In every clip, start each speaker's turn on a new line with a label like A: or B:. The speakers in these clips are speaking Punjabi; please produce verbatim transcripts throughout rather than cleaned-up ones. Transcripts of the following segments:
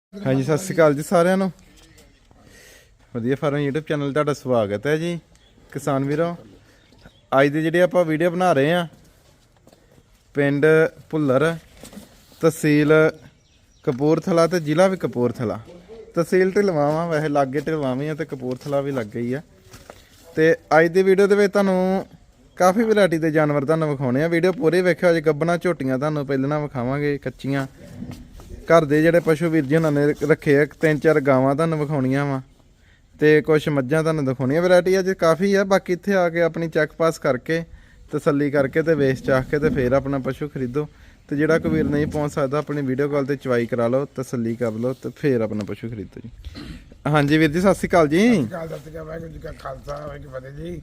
A: हाँ जी सत श्री अकाल जी सारिਆਂ ਨੂੰ ਵਧੀਆ ਫਾਰਮ YouTube ਚੈਨਲ ਤੁਹਾਡਾ ਸਵਾਗਤ ਹੈ ਜੀ ਕਿਸਾਨ ਵੀਰੋ। ਅੱਜ ਦੀ ਜਿਹੜੀ ਆਪਾਂ ਵੀਡੀਓ ਬਣਾ ਰਹੇ ਆ ਪਿੰਡ ਭੁੱਲਰ ਤਹਿਸੀਲ ਕਪੂਰਥਲਾ ਤੇ ਜ਼ਿਲ੍ਹਾ ਵੀ ਕਪੂਰਥਲਾ ਤਹਿਸੀਲ ਢਿਲਵਾਂ ਵਾ ਵੈਸੇ ਲਾਗੇ ਢਿਲਵਾਂ ਵੀ ਆ ਤੇ ਕਪੂਰਥਲਾ ਵੀ ਲੱਗੇ ਹੀ ਆ। ਤੇ ਅੱਜ ਦੀ ਵੀਡੀਓ ਦੇ ਵਿੱਚ ਤੁਹਾਨੂੰ ਕਾਫੀ ਵੈਰਾਈਟੀ ਦੇ ਜਾਨਵਰ ਤੁਹਾਨੂੰ ਵਿਖਾਉਣੇ ਆ। ਵੀਡੀਓ ਪੂਰੀ ਵੇਖਿਓ ਅੱਜ ਗੱਬਣਾ ਝੋਟੀਆਂ ਤੁਹਾਨੂੰ ਪਹਿਲਾਂ ਵਿਖਾਵਾਂਗੇ ਕੱਚੀਆਂ घर दे जेडे पशु वीर जी उन्होंने रखे है तीन चार गावां तुहानूं विखाउणियां वा ते कुछ मज्जां तुहानूं दिखाउणियां। वैरायटी अज काफ़ी है बाकी इत्थे आके अपनी चैक पास करके तसल्ली करके ते वेच चाख के ते फिर अपना पशु खरीदो। तो जिहड़ा कोई वीर नहीं पहुँच सकता अपनी वीडियो कॉल ते चवाई करा लो तसल्ली कर लो तो फिर अपना पशु खरीदो जी। हाँ जी वीर जी सत श्री अकाल जी।
B: वाहिगुरू जी का खालसा वाहिगुरू फतेह जी।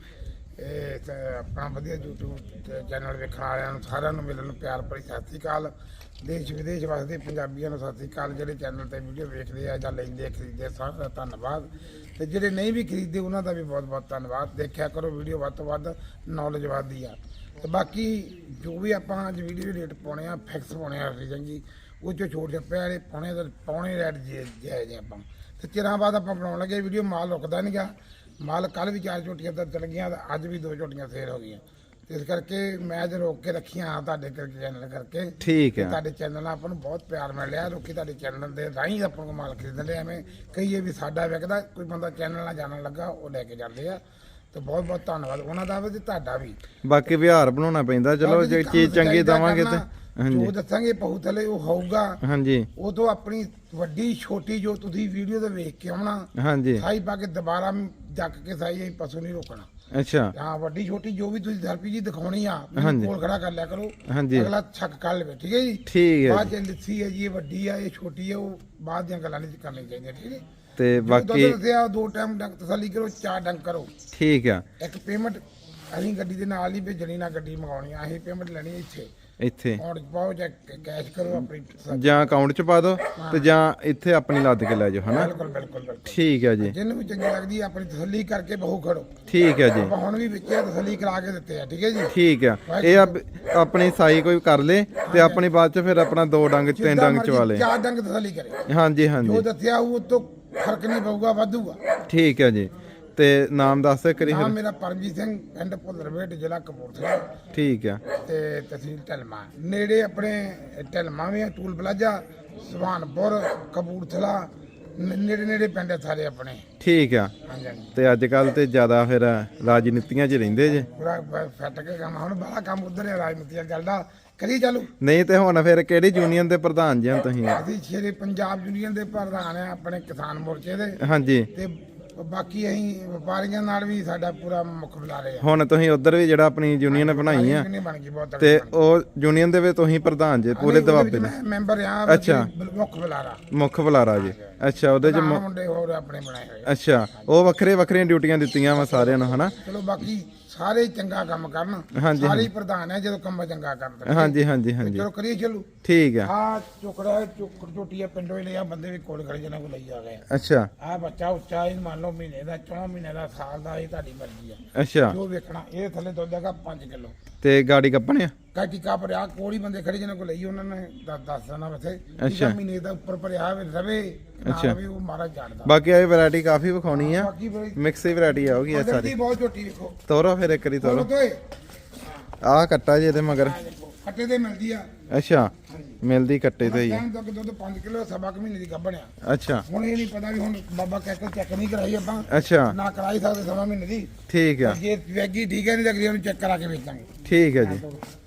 B: ਇਹ ਆਪਣਾ ਵਧੀਆ YouTube ਚੈਨਲ ਵੇਖਣ ਵਾਲਿਆਂ ਨੂੰ ਸਾਰਿਆਂ ਨੂੰ ਮਿਲਣ ਨੂੰ ਪਿਆਰ ਭਰੀ ਸਤਿ ਸ਼੍ਰੀ ਅਕਾਲ। ਦੇਸ਼ ਵਿਦੇਸ਼ ਵਸਦੇ ਪੰਜਾਬੀਆਂ ਨੂੰ ਸਤਿ ਸ਼੍ਰੀ ਅਕਾਲ। ਜਿਹੜੇ ਚੈਨਲ ਤੇ ਵੀਡੀਓ ਵੇਖਦੇ ਆ ਜਾਂ ਲੈਂਦੇ ਖਰੀਦਦੇ ਸਾਰਿਆਂ ਦਾ ਧੰਨਵਾਦ ਤੇ ਜਿਹੜੇ ਨਹੀਂ ਵੀ ਖਰੀਦਦੇ ਉਹਨਾਂ ਦਾ ਵੀ ਬਹੁਤ ਬਹੁਤ ਧੰਨਵਾਦ। ਦੇਖਿਆ ਕਰੋ ਵੀਡੀਓ ਵੱਧ ਤੋਂ ਵੱਧ ਨੌਲੇਜ ਵੱਧਦੀ ਆ। ਤੇ ਬਾਕੀ ਜੋ ਵੀ ਆਪਾਂ ਅੱਜ ਵੀਡੀਓ ਦੇ ਰੇਟ ਪਾਉਣੇ ਆ ਫਿਕਸ ਪਾਉਣੇ ਆ ਰੀਜਨ ਜੀ ਉਹ ਚੋਂ ਛੋਟ ਛੱਪੇ ਵਾਲੇ ਪਾਉਣੇ ਤਾਂ ਪਾਉਣੇ ਰੇਟ ਜੇ ਜੇ ਆਪਾਂ ਤੇ ਚਿਰਾਂ ਬਾਅਦ ਆਪਾਂ ਬਣਾਉਣ ਲੱਗੇ ਵੀਡੀਓ ਮਾਲ ਰੁਕਦਾ ਨਹੀਂ ਗਾ। माल कल भी चार झोटियां तो चल गई अज भी दो झोटियां सेल हो गई इस करके मैं अज रोक के रखी हाँ तुहाडे चैनल करके
A: ठीक है।
B: तुहाडे चैनल आपको बहुत प्यार मिल रहा लोग तुहाडे चैनल के राही अपन को माल खरीद रहे एवं कई भी साडा विकदा कोई बंदा चैनल ना जानन लगा वो लैके जाते हैं। तो बहुत बहुत धन्यवाद उन्होंने का भी ते तुहाडा भी।
A: बाकी व्यवहार बनाना पैंदा चलो जे चीज चंगी देवांगे ते
B: जो दसांगे पहू थले वो होगा।
A: हाँ जी
B: वो तो अपनी वड्डी छोटी जो तुसीं वीडियो ते वेख के आउणा
A: हाँ जी
B: साई पा के दोबारा जक के साई असीं पशु नहीं रोकना।
A: अच्छा
B: हाँ वड्डी छोटी जो भी तुसीं थेरेपी जी दिखाउणी आ
A: हाँ जी
B: कोल खड़ा कर लिया करो।
A: हाँ जी
B: अगला छक कर ले ठीक है जी।
A: ठीक है
B: बाद च लिस्सी है जी ये वड्डी है ये छोटी है वो बाद दियां गल्लां नहीं करनी चाहिए ठीक है।
A: ते बाकी
B: दो टाइम डंक तसल्ली करो चार डंक करो
A: ठीक है।
B: एक पेमेंट ਅਸੀਂ ਗੱਡੀ ਦੇ ਨਾਲ ਹੀ ਭੇਜਣੀ ਨਾ ਗੱਡੀ ਮੰਗਾਉਣੀ ਆ ਅਸੀਂ ਪੇਮੈਂਟ ਲੈਣੀ ਇੱਥੇ
A: ਇੱਥੇ
B: ਔਰ ਪਾਓ ਜਾਂ ਕੈਸ਼ ਕਰੋ ਆਪਣੀ
A: ਜਾਂ ਅਕਾਊਂਟ ਚ ਪਾ ਦਿਓ ਤੇ ਜਾਂ ਇੱਥੇ ਆਪਣੀ ਲੱਦ ਕੇ ਲੈ ਜਾਓ ਹਨਾ।
B: ਬਿਲਕੁਲ ਬਿਲਕੁਲ ਬਿਲਕੁਲ
A: ਠੀਕ ਹੈ ਜੀ।
B: ਜਿਹਨੂੰ ਵੀ ਚੰਗੀ ਲੱਗਦੀ ਆਪਣੀ ਤਸੱਲੀ ਕਰਕੇ ਬਹੁ ਖੜੋ।
A: ਠੀਕ ਹੈ ਜੀ।
B: ਆਪਾਂ ਹੁਣ ਵੀ ਵਿੱਚ ਤਸੱਲੀ ਕਰਾ ਕੇ ਦਿੱਤੇ ਆ ਠੀਕ ਹੈ ਜੀ।
A: ਠੀਕ ਹੈ ਇਹ ਆਪਣੀ ਸਾਈ ਕੋਈ ਕਰ ਲੇ ਤੇ ਆਪਣੀ ਬਾਅਦ ਚ ਫਿਰ ਆਪਣਾ ਦੋ ਡੰਗ ਤਿੰਨ ਡੰਗ ਚਵਾ ਲੇ
B: ਚਾਰ ਡੰਗ ਤਸੱਲੀ ਕਰੇ।
A: ਹਾਂਜੀ ਹਾਂਜੀ
B: ਜੋ ਦੱਸਿਆ ਉਹ ਤੋਂ ਫਰਕ ਨਹੀਂ ਪਊਗਾ ਵਾਧੂਗਾ।
A: ਠੀਕ ਹੈ ਜੀ। ਤੇ ਨਾਮ ਦੱਸ ਦੇ ਕਰੀ
B: ਨਾਮ ਮੇਰਾ ਪਰਮਜੀਤ ਸਿੰਘ ਪਿੰਡ ਭੁੱਲਰਵੇਟ ਜ਼ਿਲ੍ਹਾ ਕਪੂਰਥਲਾ।
A: ਠੀਕ ਹੈ।
B: ਤੇ ਤਹਿਸੀਲ ਢਲਮਾ ਨੇੜੇ ਆਪਣੇ ਢਲਮਾ ਵੀ ਟੂਲ ਪਲਾਜ਼ਾ ਸੁਹਾਨਪੁਰ ਕਪੂਰਥਲਾ ਨੇੜੇ ਨੇੜੇ ਪਿੰਡ ਸਾਰੇ ਆਪਣੇ।
A: ਠੀਕ ਆ।
B: ਹਾਂਜੀ ਹਾਂਜੀ
A: ਤੇ ਅੱਜ ਕੱਲ ਤੇ ਜ਼ਿਆਦਾ ਫਿਰ ਰਾਜਨੀਤੀਆਂ 'ਚ ਰਹਿੰਦੇ ਜੇ
B: ਪੂਰਾ ਫੱਟ ਕੇ ਕੰਮ ਹੁਣ ਬੜਾ ਕੰਮ ਉਧਰ ਹੈ ਰਾਜਨੀਤੀਆਂ ਚੱਲਦਾ ਕਰੀ ਚਾਲੂ
A: ਨਹੀਂ ਤੇ ਹੁਣ ਫਿਰ ਕਿਹੜੀ ਯੂਨੀਅਨ ਦੇ ਪ੍ਰਧਾਨ ਜੀ ਤੁਸੀਂ?
B: ਅਸੀਂ ਸ਼ੇਰੇ ਪੰਜਾਬ ਯੂਨੀਅਨ ਦੇ ਪ੍ਰਧਾਨ ਆ ਆਪਣੇ ਕਿਸਾਨ ਮੋਰਚੇ ਦੇ।
A: ਹਾਂਜੀ
B: ਤੇ ਬਾਕੀ ਅਸੀਂ ਵਪਾਰੀਆਂ ਨਾਲ ਵੀ ਸਾਡਾ ਪੂਰਾ ਮੁੱਖ ਬੁਲਾ ਰਹੇ ਆ।
A: ਹੁਣ ਤੁਸੀਂ ਉਧਰ ਵੀ ਜਿਹੜਾ ਆਪਣੀ ਯੂਨੀਅਨ ਬਣਾਈ ਆ ਤੇ ਉਹ ਯੂਨੀਅਨ ਦੇ ਵਿੱਚ ਤੁਸੀਂ ਪ੍ਰਧਾਨ ਜੇ ਪੂਰੇ ਦਬਾਬੇ ਦੇ
B: ਮੈਂਬਰ ਆ।
A: ਅੱਛਾ
B: ਮੁੱਖ ਬੁਲਾਰਾ
A: ਮੁੱਖ ਬੁਲਾਰਾ ਜੀ। ਅੱਛਾ ਉਹਦੇ ਚ
B: ਮੁੰਡੇ ਹੋਰ ਆਪਣੇ ਬਣਾਏ ਹੋਏ।
A: ਅੱਛਾ ਉਹ ਵੱਖਰੇ ਵੱਖਰੀਆਂ ਡਿਊਟੀਆਂ ਦਿੱਤੀਆਂ ਵਾ ਸਾਰਿਆਂ ਨੂੰ ਹਨਾ।
B: ਚਲੋ ਬਾਕੀ ਸਾਰੇ ਚੰਗਾ ਕੰਮ ਕਰਨ ਸਾਰੇ ਪ੍ਰਧਾਨ ਹੈ ਜਦੋਂ ਕੰਮ ਚੰਗਾ ਕਰਨ।
A: ਹਾਂਜੀ ਹਾਂਜੀ ਹਾਂਜੀ
B: ਚਲੋ ਕਰੀਏ ਚਲੋ ਠੀਕ
A: ਹੈ।
B: ਆ ਚੁਕੜਾ ਚੁਕੜ ਝੋਟੀਆ ਪਿੰਡੋਂ ਹੀ ਲਿਆ ਬੰਦੇ ਵੀ ਕੋਲ ਖੜੇ ਜਨਾਂ ਕੋ ਲਈ ਆ ਗਏ।
A: ਅੱਛਾ
B: ਆ ਬੱਚਾ ਉੱਚਾ ਇਹ ਮੰਨ ਲਓ ਮਹੀਨੇ ਦਾ ਚੌਂ ਮਹੀਨੇ ਦਾ ਸਾਲ ਦਾ ਇਹ ਤੁਹਾਡੀ ਮਰਜ਼ੀ ਆ।
A: ਅੱਛਾ
B: ਜੋ ਵੇਖਣਾ ਇਹ ਥੱਲੇ ਦੁੱਧ ਹੈਗਾ ਪੰਜ ਕਿਲੋ
A: ਤੇ ਗਾੜੀ ਕੱਪਣੇ ਆ
B: ਕਾਟੀ ਕਾ ਭਰਿਆ ਕੋਲੀ ਬੰਦੇ ਖੜੇ ਜਨਾਂ ਕੋ ਲਈ ਉਹਨਾਂ ਨੇ ਦੱਸ ਦੇਣਾ ਵਥੇ
A: ਅੱਛਾ
B: ਮਹੀਨੇ ਦਾ ਉੱਪਰ ਭਰਿਆ ਰਵੇ
A: ਅੱਛਾ
B: ਵੀ ਉਹ ਮਾਰਾ ਜਾਣਦਾ।
A: ਬਾਕੀ ਇਹ ਵੈਰਾਈਟੀ ਕਾਫੀ ਵਿਖਾਉਣੀ ਆ ਮਿਕਸ ਹੀ ਵੈਰਾਈਟੀ ਆਉਗੀ ਇਹ ਸਾਰੀ।
B: ਬਹੁਤ ਝੋਟੀ ਵੇਖੋ
A: ਤੋਰੋ ਫਿਰ ਇੱਕ ਵਾਰੀ ਤੋਰੋ। ਆਹ ਕੱਟਾ ਜੀ ਇਹਦੇ ਮਗਰ
B: ਕੱਟੇ ਤੇ ਮਿਲਦੀ ਆ।
A: ਅੱਛਾ ਮਿਲਦੀ ਕੱਟੇ ਤੇ ਹੀ ਆ।
B: ਦੁੱਧ ਪੰਜ ਕਿਲੋ ਸਵਾ ਕੁ ਮਹੀਨੇ ਦੀ ਗੱਭਣਿਆ।
A: ਅੱਛਾ
B: ਹੁਣ ਇਹ ਨਹੀਂ ਪਤਾ ਵੀ ਹੁਣ ਬਾਬਾ ਕਹਿ ਕੇ ਚੈੱਕ ਨਹੀਂ ਕਰਾਈ ਆਪਾਂ।
A: ਅੱਛਾ
B: ਨਾ ਕਰਾਈ ਸਕਦੇ ਸਵਾ ਮਹੀਨੇ ਦੀ।
A: ਠੀਕ ਆ।
B: ਜੇ ਵੈਗੀ ਠੀਕ ਹੈ ਨਹੀਂ ਲੱਗਦੀ ਉਹਨੂੰ ਚੈੱਕ ਕਰਾ ਕੇ ਵੇਚਾਂਗੇ।
A: ਠੀਕ ਹੈ ਜੀ।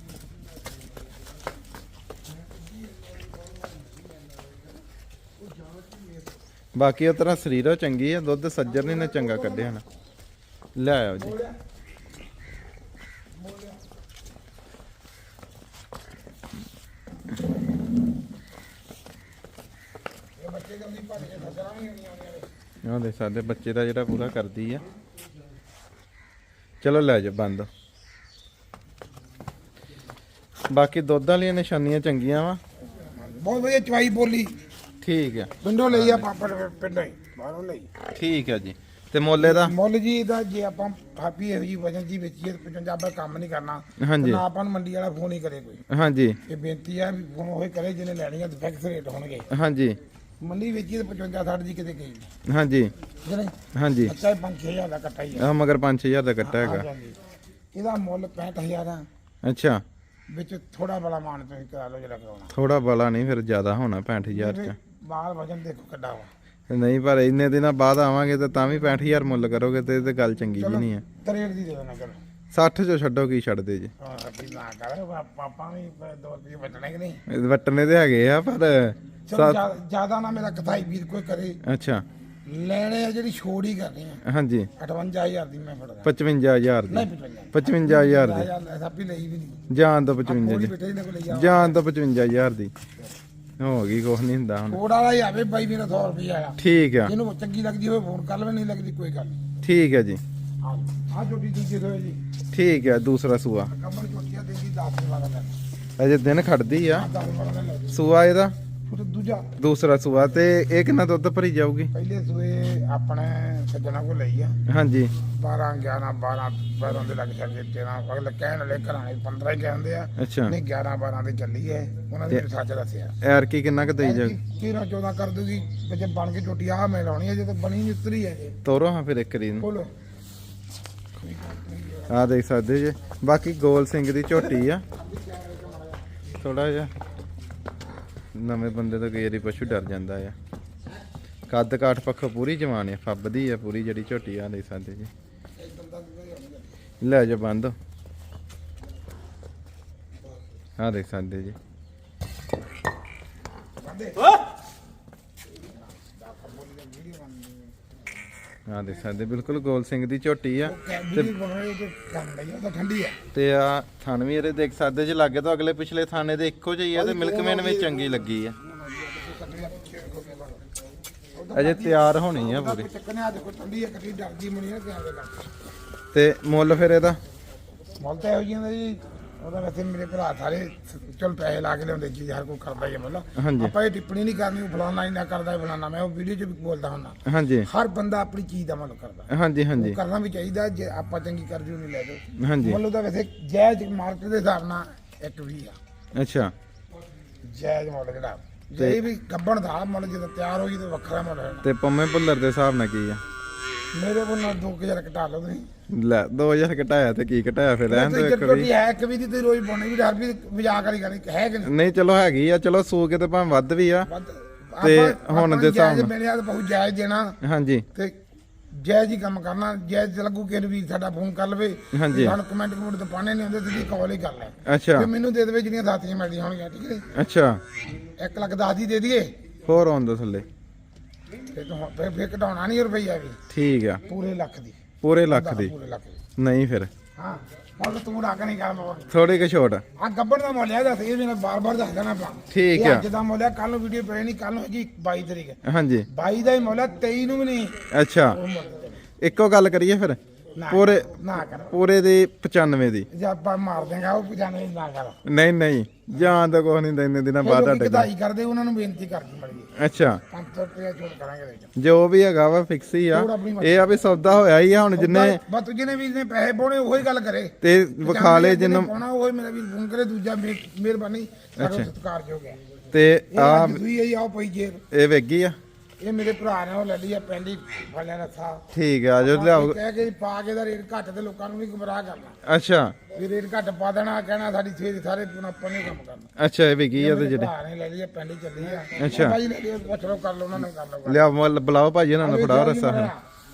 A: ਬਾਕੀ ਉਹ ਤਰ੍ਹਾਂ ਸਰੀਰੋ ਚੰਗੀ ਆ ਦੁੱਧ ਸੱਜਰ ਨੇ ਚੰਗਾ ਕੱਢਿਆ ਨਾ। ਲੈ ਆਓ ਜੀ। ਉਹ ਦੇ ਸਾਡੇ ਬੱਚੇ ਦਾ ਜਿਹੜਾ ਪੂਰਾ ਕਰਦੀ ਆ। ਚਲੋ ਲੈ ਜਾ ਬੰਦ। ਬਾਕੀ ਦੁੱਧ ਵਾਲੀਆਂ ਨਿਸ਼ਾਨੀਆਂ ਚੰਗੀਆਂ ਵਾ।
B: ਬਹੁਤ ਵਧੀਆ ਚਵਾਈ ਬੋਲੀ।
A: ਠੀਕ ਆ।
B: ਪਿੰਡੋਂ ਲਈ ਆ ਪਾਪੜ ਪਿੰਡੋਂ ਹੀ ਬਾਹਰੋਂ ਲਈ।
A: ਠੀਕ ਆ ਜੀ। ਤੇ ਮੁੱਲ ਇਹਦਾ
B: ਮੁੱਲ ਜੀ ਦਾ ਜੇ ਆਪਾਂ ਥਾਪੀ ਇਹੋ ਜੀ ਵਜਨ ਜੀ ਵੇਚੀਏ ਪਚਵੰਜਾ ਆਪਾਂ ਕੰਮ ਨਹੀਂ ਕਰਨਾ।
A: ਹਾਂਜੀ
B: ਨਾ ਆਪਾਂ ਨੂੰ ਮੰਡੀ ਵਾਲਾ ਫੋਨ ਹੀ ਕਰੇ ਕੋਈ।
A: ਹਾਂਜੀ
B: ਇਹ ਬੇਨਤੀ ਆ ਵੀ ਫੋਨ ਹੋਏ ਕਰੇ ਜਿਹਨੇ ਲੈਣੀ ਆ ਫਿਕਸ ਰੇਟ ਹੋਣਗੇ।
A: ਹਾਂਜੀ
B: ਮੰਡੀ ਵੇਚੀ ਤੇ ਪਚਵੰਜਾ ਸੱਠ ਦੀ ਕਿਤੇ ਗਈ ਨਹੀਂ
A: ਹਾਂਜੀ
B: ਜਿਹੜੇ
A: ਹਾਂਜੀ
B: ਅੱਛਾ ਪੰਜ ਛੇ ਹਜ਼ਾਰ ਦਾ ਕੱਟਾ ਹੀ ਆ
A: ਆ ਮਗਰ ਪੰਜ ਛੇ ਹਜ਼ਾਰ ਦਾ ਕੱਟਾ ਹੈਗਾ
B: ਹਾਂਜੀ। ਇਹਦਾ ਮੁੱਲ ਪੈਂਹਠ ਹਜ਼ਾਰ ਆ
A: ਅੱਛਾ
B: ਵਿੱਚ ਥੋੜਾ ਬੜਾ ਮਾਨ ਤੁਸੀਂ ਕਰਾ ਲਓ ਜਿਹੜਾ ਕਰਾਉਣਾ
A: ਥੋੜਾ ਬਲਾ ਨਹੀਂ ਫਿਰ ਜ਼ਿਆਦਾ ਹੋਣਾ ਪੈਂਹਠ ਹਜ਼ਾਰ ਚ
B: ਬਾਹਰ ਵਜਨ ਦੇਖੋ ਕਿੱਡਾ ਵਾ
A: ਨਹੀਂ ਪਰ ਇੰਨੇ ਦਿਨਾਂ ਬਾਅਦ ਆਵਾਂਗੇ ਤਾਂ ਤਾਂ ਵੀ ਪੈਂਹਠ ਹਜ਼ਾਰ ਮੁੱਲ ਕਰੋਗੇ ਤੇ ਇਹ ਤੇ ਗੱਲ ਚੰਗੀ ਜੀ ਨਹੀਂ ਹੈ
B: ਤਰੇੜ ਦੀ ਦੇ ਦੇਣਾ ਚਲੋ
A: ਸੱਠ ਚੋਂ ਛੱਡੋ ਕੀ ਛੱਡਦੇ ਜੀ
B: ਹਾਂ ਅੱਛੀ ਨਾ ਕਰ ਪਾਪਾ ਵੀ ਦੋ ਰੁਪਏ ਬਚਣੇ ਕਿ ਨਹੀਂ
A: ਇਹ ਵਟਨੇ ਤੇ ਹੈਗੇ ਆ ਪਰ
B: ਚਲੋ ਜਿਆਦਾ ਨਾ ਮੇਰਾ ਕਥਾਈ ਵੀਰ ਕੋਈ ਕਰੇ
A: ਅੱਛਾ
B: ਲੈਣੇ ਆ ਜਿਹੜੀ ਛੋੜ ਹੀ ਕਰਨੀ ਆ
A: ਹਾਂਜੀ
B: ਅਠਵੰਜਾ ਹਜ਼ਾਰ ਦੀ ਮੈਂ ਫੜਦਾ
A: ਪਚਵੰਜਾ ਹਜ਼ਾਰ ਦੀ
B: ਨਹੀਂ ਪਚਵੰਜਾ
A: ਪਚਵੰਜਾ ਹਜ਼ਾਰ ਦੀ
B: ਐਸਾ ਵੀ ਲਈ ਵੀ ਨਹੀਂ
A: ਜਾਨ ਤੋਂ ਪਚਵੰਜਾ
B: ਥੋੜੀ
A: ਦੀ
B: ਬੇਟੇ ਨੇ ਕੋਲ ਲਿਆ
A: ਜਾਨ ਤੋਂ ਪਚਵੰਜਾ ਹਜ਼ਾਰ ਦੀ ਹੋ ਗਈ ਕੁਛ ਨਹੀਂ ਹੁੰਦਾ ਹੁਣ
B: ਛੋੜ ਵਾਲਾ ਹੀ ਆਵੇ ਬਾਈ ਮੇਰਾ ਸੌ ਰੁਪਏ ਆਇਆ
A: ਠੀਕ ਆ
B: ਜਿਹਨੂੰ ਚੰਗੀ ਲੱਗਦੀ ਹੋਵੇ ਫੋਨ ਕਰ ਲਵੇ ਨਹੀਂ ਲੱਗਦੀ ਕੋਈ ਗੱਲ ਨਹੀਂ
A: ਠੀਕ ਹੈ ਜੀ
B: ਆ ਆ ਜੋਟੀ ਦੂਜੇ ਹੋਏ ਜੀ
A: ਠੀਕ ਹੈ ਦੂਸਰਾ ਸੂਆ
B: ਕਮਰ ਜੋਟੀਆਂ ਦੇ ਦੀ ਦਸ ਦੇ ਵਾਲਾ ਲੈ
A: ਅਜੇ ਦਿਨ ਖੜਦੀ ਆ
B: ਦਸ ਵਾਲਾ ਲੈ ਲਓ
A: ਸੂਆ ਇਹਦਾ
B: ਫਿਰ ਦੂਜਾ
A: ਦੂਸਰਾ ਸੂਆ ਤੇ ਇਹ ਕਿੰਨਾ ਦੁੱਧ ਭਰੀ ਜਾਊਗੀ
B: ਪਹਿਲੇ ਸੂਏ ਆਪਣੇ ਸੱਜਣਾ ਕੋਲ ਲਈ ਆ
A: ਹਾਂਜੀ
B: ਬਾਰਾਂ ਗਿਆਰਾਂ ਬਾਰਾਂ ਬਾਰਾਂ ਦੇ ਲੱਗ ਜਾਂਦੇ ਤੇਰਾਂ ਅਗਲੇ ਕਹਿਣ ਵਾਲੇ ਘਰਾਂ ਦੇ ਪੰਦਰਾਂ ਹੀ ਕਹਿੰਦੇ ਆ
A: ਅੱਛਾ
B: ਨਹੀਂ ਗਿਆਰਾਂ ਬਾਰਾਂ ਦੇ ਚੱਲੀ ਹੈ ਉਹਨਾਂ ਨੇ ਸੱਚ ਦੱਸਿਆ
A: ਐਰ ਕੀ ਕਿੰਨਾ ਕੁ ਦੇਈ ਜਾਊਗੀ
B: ਤੇਰਾਂ ਚੌਦਾਂ ਕਰ ਦੂਗੀ ਜੇ ਬਣ ਕੇ ਟੁੱਟੀ ਆ ਮੈਂ ਲਾਉਣੀ ਹੈ ਜੇ ਤਾਂ ਬਣੀ ਨਹੀਂ ਉਤਰੀ ਹੈ ਜੀ
A: ਤੋਰੋ ਹਾਂ ਫਿਰ ਇੱਕ ਰੀ ਨੂੰ
B: ਬੋਲੋ
A: ਆ ਦੇਖ ਸਕਦੇ ਜੇ ਬਾਕੀ ਗੋਲ ਸਿੰਘ ਦੀ ਝੋਟੀ ਆ ਥੋੜਾ ਜਿਹਾ ਨਵੇਂ ਬੰਦੇ ਤੋਂ ਕਈ ਵਾਰੀ ਪਸ਼ੂ ਡਰ ਜਾਂਦਾ ਆ ਕੱਦ ਕਾਠ ਪੱਖੋਂ ਪੂਰੀ ਜਵਾਨ ਆ ਫੱਬਦੀ ਆ ਪੂਰੀ ਜਿਹੜੀ ਝੋਟੀ ਆ ਦੇਖ ਸਕਦੇ ਜੀ ਲੈ ਜਾ ਬੰਦ ਆ ਦੇਖ ਸਕਦੇ ਜੀ ਆ ਦੇਖ ਸਕਦੇ ਬਿਲਕੁਲ ਗੋਲ ਸਿੰਘ ਦੀ ਝੋਟੀ ਆ
B: ਵੀਡੀਓ ਬਣਾਏ ਤੇ ਕੰਮ ਲਈ ਉਹ ਤਾਂ ਠੰਡੀ ਆ
A: ਤੇ ਆ ਥਣ ਵੀ ਇਹਦੇ ਦੇਖ ਸਕਦੇ ਜੇ ਲੱਗੇ ਤਾਂ ਅਗਲੇ ਪਿਛਲੇ ਥਾਣੇ ਦੇ ਇੱਕੋ ਜਿਹੀ ਆ ਤੇ ਮਿਲਕਮੈਨ ਵਿੱਚ ਚੰਗੀ ਲੱਗੀ ਆ ਅਜੇ ਤਿਆਰ ਹੋਣੀ ਆ ਪੂਰੀ
B: ਚੱਕਨੇ ਆ ਦੇਖੋ ਠੰਡੀ ਆ ਕੱਟੀ ਡਰਦੀ ਮਣੀ ਆ ਕਿਹਾ ਦੇ
A: ਤੇ ਮੁੱਲ ਫਿਰ ਇਹਦਾ
B: ਮੁੱਲ ਤਾਂ ਇਹੋ ਜਿਹਾ ਜੀ ਉਹਦਾ ਵੈਸੇ ਮੇਰੇ ਭਰਾ ਸਾਰੇ ਚਲ ਪੈਸੇ ਲਾ ਕੇ ਲਿਆਉਂਦੇ ਜੀ ਹਰ ਕੋਈ ਕਰਦਾ ਹੀ ਆ ਮਤਲਬ
A: ਹਾਂਜੀ
B: ਆਪਾਂ ਇਹ ਟਿੱਪਣੀ ਨਹੀਂ ਕਰਨੀ ਉਹ ਫਲਾਣਾ ਹੀ ਨਾ ਕਰਦਾ ਇਹ ਫਲਾਣਾ ਮੈਂ ਉਹ ਵੀਡੀਓ 'ਚ ਵੀ ਬੋਲਦਾ ਹੁੰਦਾ
A: ਹਾਂਜੀ
B: ਹਰ ਬੰਦਾ ਆਪਣੀ ਚੀਜ਼ ਦਾ ਮੁੱਲ ਕਰਦਾ
A: ਹਾਂਜੀ ਹਾਂਜੀ
B: ਉਹ ਕਰਨਾ ਵੀ ਚਾਹੀਦਾ ਜੇ ਆਪਾਂ ਚੰਗੀ ਕਰਜੂ ਨਹੀਂ ਲੈ ਜਾਓ
A: ਹਾਂਜੀ
B: ਮੁੱਲ ਉਹਦਾ ਵੈਸੇ ਜਾਇਜ਼ ਮਾਰਕੀਟ ਦੇ ਹਿਸਾਬ ਨਾਲ ਇੱਕ ਵੀ ਆ
A: ਅੱਛਾ
B: ਜਾਇਜ਼ ਮੁੱਲ ਜਿਹੜਾ ਜੇ ਵੀ ਗੱਬਣ ਦਾ ਮੁੱਲ ਜਦੋਂ ਤਿਆਰ ਹੋਈ ਤਾਂ ਵੱਖਰਾ ਮੁੱਲ ਹੈ
A: ਤੇ ਪੰਮੇ ਭੁੱਲਰ ਦੇ ਹਿਸਾਬ ਨਾਲ ਕੀ ਆ
B: ਮੇਰੇ ਕੋਲ ਨਾ ਦੋ ਹਜ਼ਾਰ ਘਟਾ ਲਓ ਤੁਸੀਂ
A: ਲੈ ਦੋ ਹਜ਼ਾਰ ਘਟਾਇਆ ਤੇ ਕੀ ਘਟਾਇਆ ਫਿਰ ਰਹਿਣ ਦੋ ਇੱਕ ਵੀ
B: ਹੈ ਇੱਕ ਵੀ ਦੀ ਤੇ ਰੋਜ਼ ਪਾਉਣੀ ਵੀ ਹਰ ਵੀ ਮਜ਼ਾਕ ਵਾਲੀ ਗੱਲ ਹੈ ਕਿ ਨਹੀਂ
A: ਨਹੀਂ ਚਲੋ ਹੈਗੀ ਆ ਚਲੋ ਸੂ ਕੇ ਤੇ ਭਾਵੇਂ ਵੱਧ ਵੀ ਆ
B: ਵੱਧ
A: ਤੇ
B: ਆਪਾਂ-
A: ਹੁਣ
B: ਆਪਾਂ
A: ਦੇ ਹਿਸਾਬ
B: ਜਾਇਜ਼
A: ਨਾਲ।
B: ਮੇਰੇ ਹੱਥ ਬਹੁਤ ਜਾਇਜ਼ ਦੇਣਾ
A: ਹਾਂਜੀ
B: ਤੇ ਜਾਇਜ਼ ਹੀ ਕੰਮ ਕਰਨਾ ਜਾਇਜ਼ ਲੱਗੂ ਕਿ ਵੀ ਸਾਡਾ ਫੋਨ ਕਰ ਲਵੇ
A: ਹਾਂਜੀ।
B: ਸਾਨੂੰ ਕਮੈਂਟ ਕਮੈਂਟ ਤਾਂ ਪਾਣੇ ਨਹੀਂ ਹੁੰਦੇ ਸਿੱਧੀ ਕਾਲ ਹੀ ਕਰ ਲੈ
A: ਅੱਛਾ
B: ਤੇ ਮੈਨੂੰ ਦੇ ਦੇਵੇ ਜਿਹੜੀਆਂ ਸਾਥੀਆਂ ਮਿਲਦੀਆਂ ਹੋਣਗੀਆਂ ਠੀਕ ਹੈ
A: ਅੱਛਾ
B: ਇੱਕ ਲੱਖ ਦਸ ਦੀ ਦੇ ਦਈਏ
A: ਹੋਰ ਆਉਣ ਦੋ ਥੱਲੇ
B: ਤੇ ਤੂੰ ਫਿਰ ਫਿਰ ਘਟਾਉਣਾ ਨਹੀਂ ਰੁਪਈਆ ਵੀ
A: ਠੀਕ ਆ
B: ਪੂਰੇ ਲੱਖ ਦੀ
A: ਪੂਰੇ ਲੱਖ ਦੀ
B: ਪੂਰੇ ਲੱਖ ਦੀ
A: ਨਹੀਂ ਫਿਰ
B: ਹਾਂ ਹੁਣ ਤੂੰ ਰੱਖ ਨਹੀਂ ਕਰ ਮੋਰ
A: ਥੋੜੀ ਕੁ ਛੋਟ
B: ਆ ਗੱਬੜ ਦਾ ਮੁੱਲ ਹੈ ਦੱਸ ਇਹ ਮੈਨੂੰ ਬਾਰ-ਬਾਰ ਦੱਸ ਦੇਣਾ ਪਾ
A: ਠੀਕ ਆ।
B: ਅੱਜ ਦਾ ਮੁੱਲ ਹੈ ਕੱਲ ਨੂੰ ਵੀਡੀਓ ਪੈ ਨਹੀਂ ਕੱਲ ਨੂੰ ਹੈਗੀ ਬਾਈ ਤਰੀਕ
A: ਹਾਂਜੀ
B: ਬਾਈ ਦਾ ਹੀ ਮੁੱਲ ਹੈ ਤੇਈ ਨੂੰ ਵੀ ਨਹੀਂ
A: ਅੱਛਾ
B: ਉਹ ਮੁੱਲ
A: ਇੱਕੋ ਗੱਲ ਕਰੀਏ ਫਿਰ
B: ਨਾ
A: ਪੂਰੇ
B: ਨਾ ਕਰ
A: ਪੂਰੇ ਦੀ ਪਚਾਨਵੇਂ ਦੀ
B: ਜੇ ਆਪਾਂ ਮਾਰ ਦੇਗਾ ਉਹ ਪਜਾਣੇ ਨਾ ਕਰ
A: ਨਹੀਂ ਨਹੀਂ ਜਾਨ ਤਾਂ ਕੁਛ ਨਹੀਂ ਦਿੰਦੇ ਦਿਨਾਂ ਬਾਅਦ
B: ਲੋਕੀ
A: ਤੁਹਾਡੇ
B: ਕਢਾਈ ਕਰਦੇ ਉਹਨਾਂ ਨੂੰ ਬੇਨਤੀ ਕਰਦੀ ਮੜੀ
A: ਕੋਲ ਅੱਛਾ
B: ਪੰਜ ਸੌ ਰੁਪਏ ਛੋੜ ਕਰਾਂਗੇ ਇਹਦੇ ਚ
A: ਜੋ ਵੀ ਹੈਗਾ ਵਾ ਫਿਕਸ ਹੀ ਆ
B: ਹੋਰ ਆਪਣੀ ਮਰਜ਼ੀ।
A: ਇਹ ਆ ਵੀ ਸੌਦਾ ਹੋਇਆ ਹੀ ਆ ਹੁਣ ਜਿੰਨੇ
B: ਬਸ ਤੂੰ ਜਿਹਨੇ ਵੀ ਨੇ ਪੈਸੇ ਪਾਉਣੇ ਉਹੀ ਗੱਲ ਕਰੇ
A: ਤੇ ਵਿਖਾ ਲਏ
B: ਜਿਹਨੇ
A: ਜਿੰਨੂੰ
B: ਪਾਉਣਾ ਉਹੀ ਮੇਰਾ ਵੀ ਫੋਨ ਕਰੇ ਦੂਜਾ ਮਿਹ- ਮਿਹਰਬਾਨੀ ਕਰੋ ਸਤਿਕਾਰਯੋਗ ਹੈ
A: ਤੇ
B: ਇਹ
A: ਆ
B: ਅੱਜ ਦੂਈ ਆਈ ਆਓ ਪਈ ਜੇਰ
A: ਇਹ ਵੇਗੀ ਆ
B: ਇਹ ਮੇਰੇ ਭਰਾ ਨੇ ਉਹ ਲੈ ਲਈ ਆ ਪਹਿਲੀ ਫਲਿਆ ਰੱਥਾ
A: ਠੀਕ ਆ ਜੋ ਲਿਆਓ
B: ਕਹਿ ਕੇ ਪਾ ਕੇ ਦਾ ਰੇਟ ਘੱਟ ਤੇ ਲੋਕਾਂ ਨੂੰ ਵੀ ਗੁੰਮਰਾਹ ਕਰਨਾ
A: ਅੱਛਾ
B: ਵੀ ਰੇਟ ਘੱਟ ਪਾ ਦੇਣਾ ਕਹਿਣਾ ਸਾਡੀ ਫੇਰ ਸਾਰੇ ਆਪਾਂ ਨੇ ਕੰਮ ਕਰਨਾ
A: ਅੱਛਾ ਇਹ ਵੇਗੀ ਆ ਤੇ
B: ਮੇਰੇ
A: ਜਿਹੜੇ
B: ਭਰਾ ਨੇ ਲੈ ਲਈ ਆ ਪਹਿਲੀ ਚੱਲੀ ਆ
A: ਅੱਛਾ।
B: ਭਾਈ ਲੈ ਲਈ ਪੁੱਛ ਲਓ ਕਰ ਲਓ ਉਹਨਾਂ ਨੇ ਕਰ ਲਓ
A: ਲਿਆ ਮੁੱਲ ਬੁਲਾਓ ਭਾਜੀ ਇਹਨਾਂ ਨੂੰ ਫੜਾਓ ਰੱਸਾ ਹੁਣ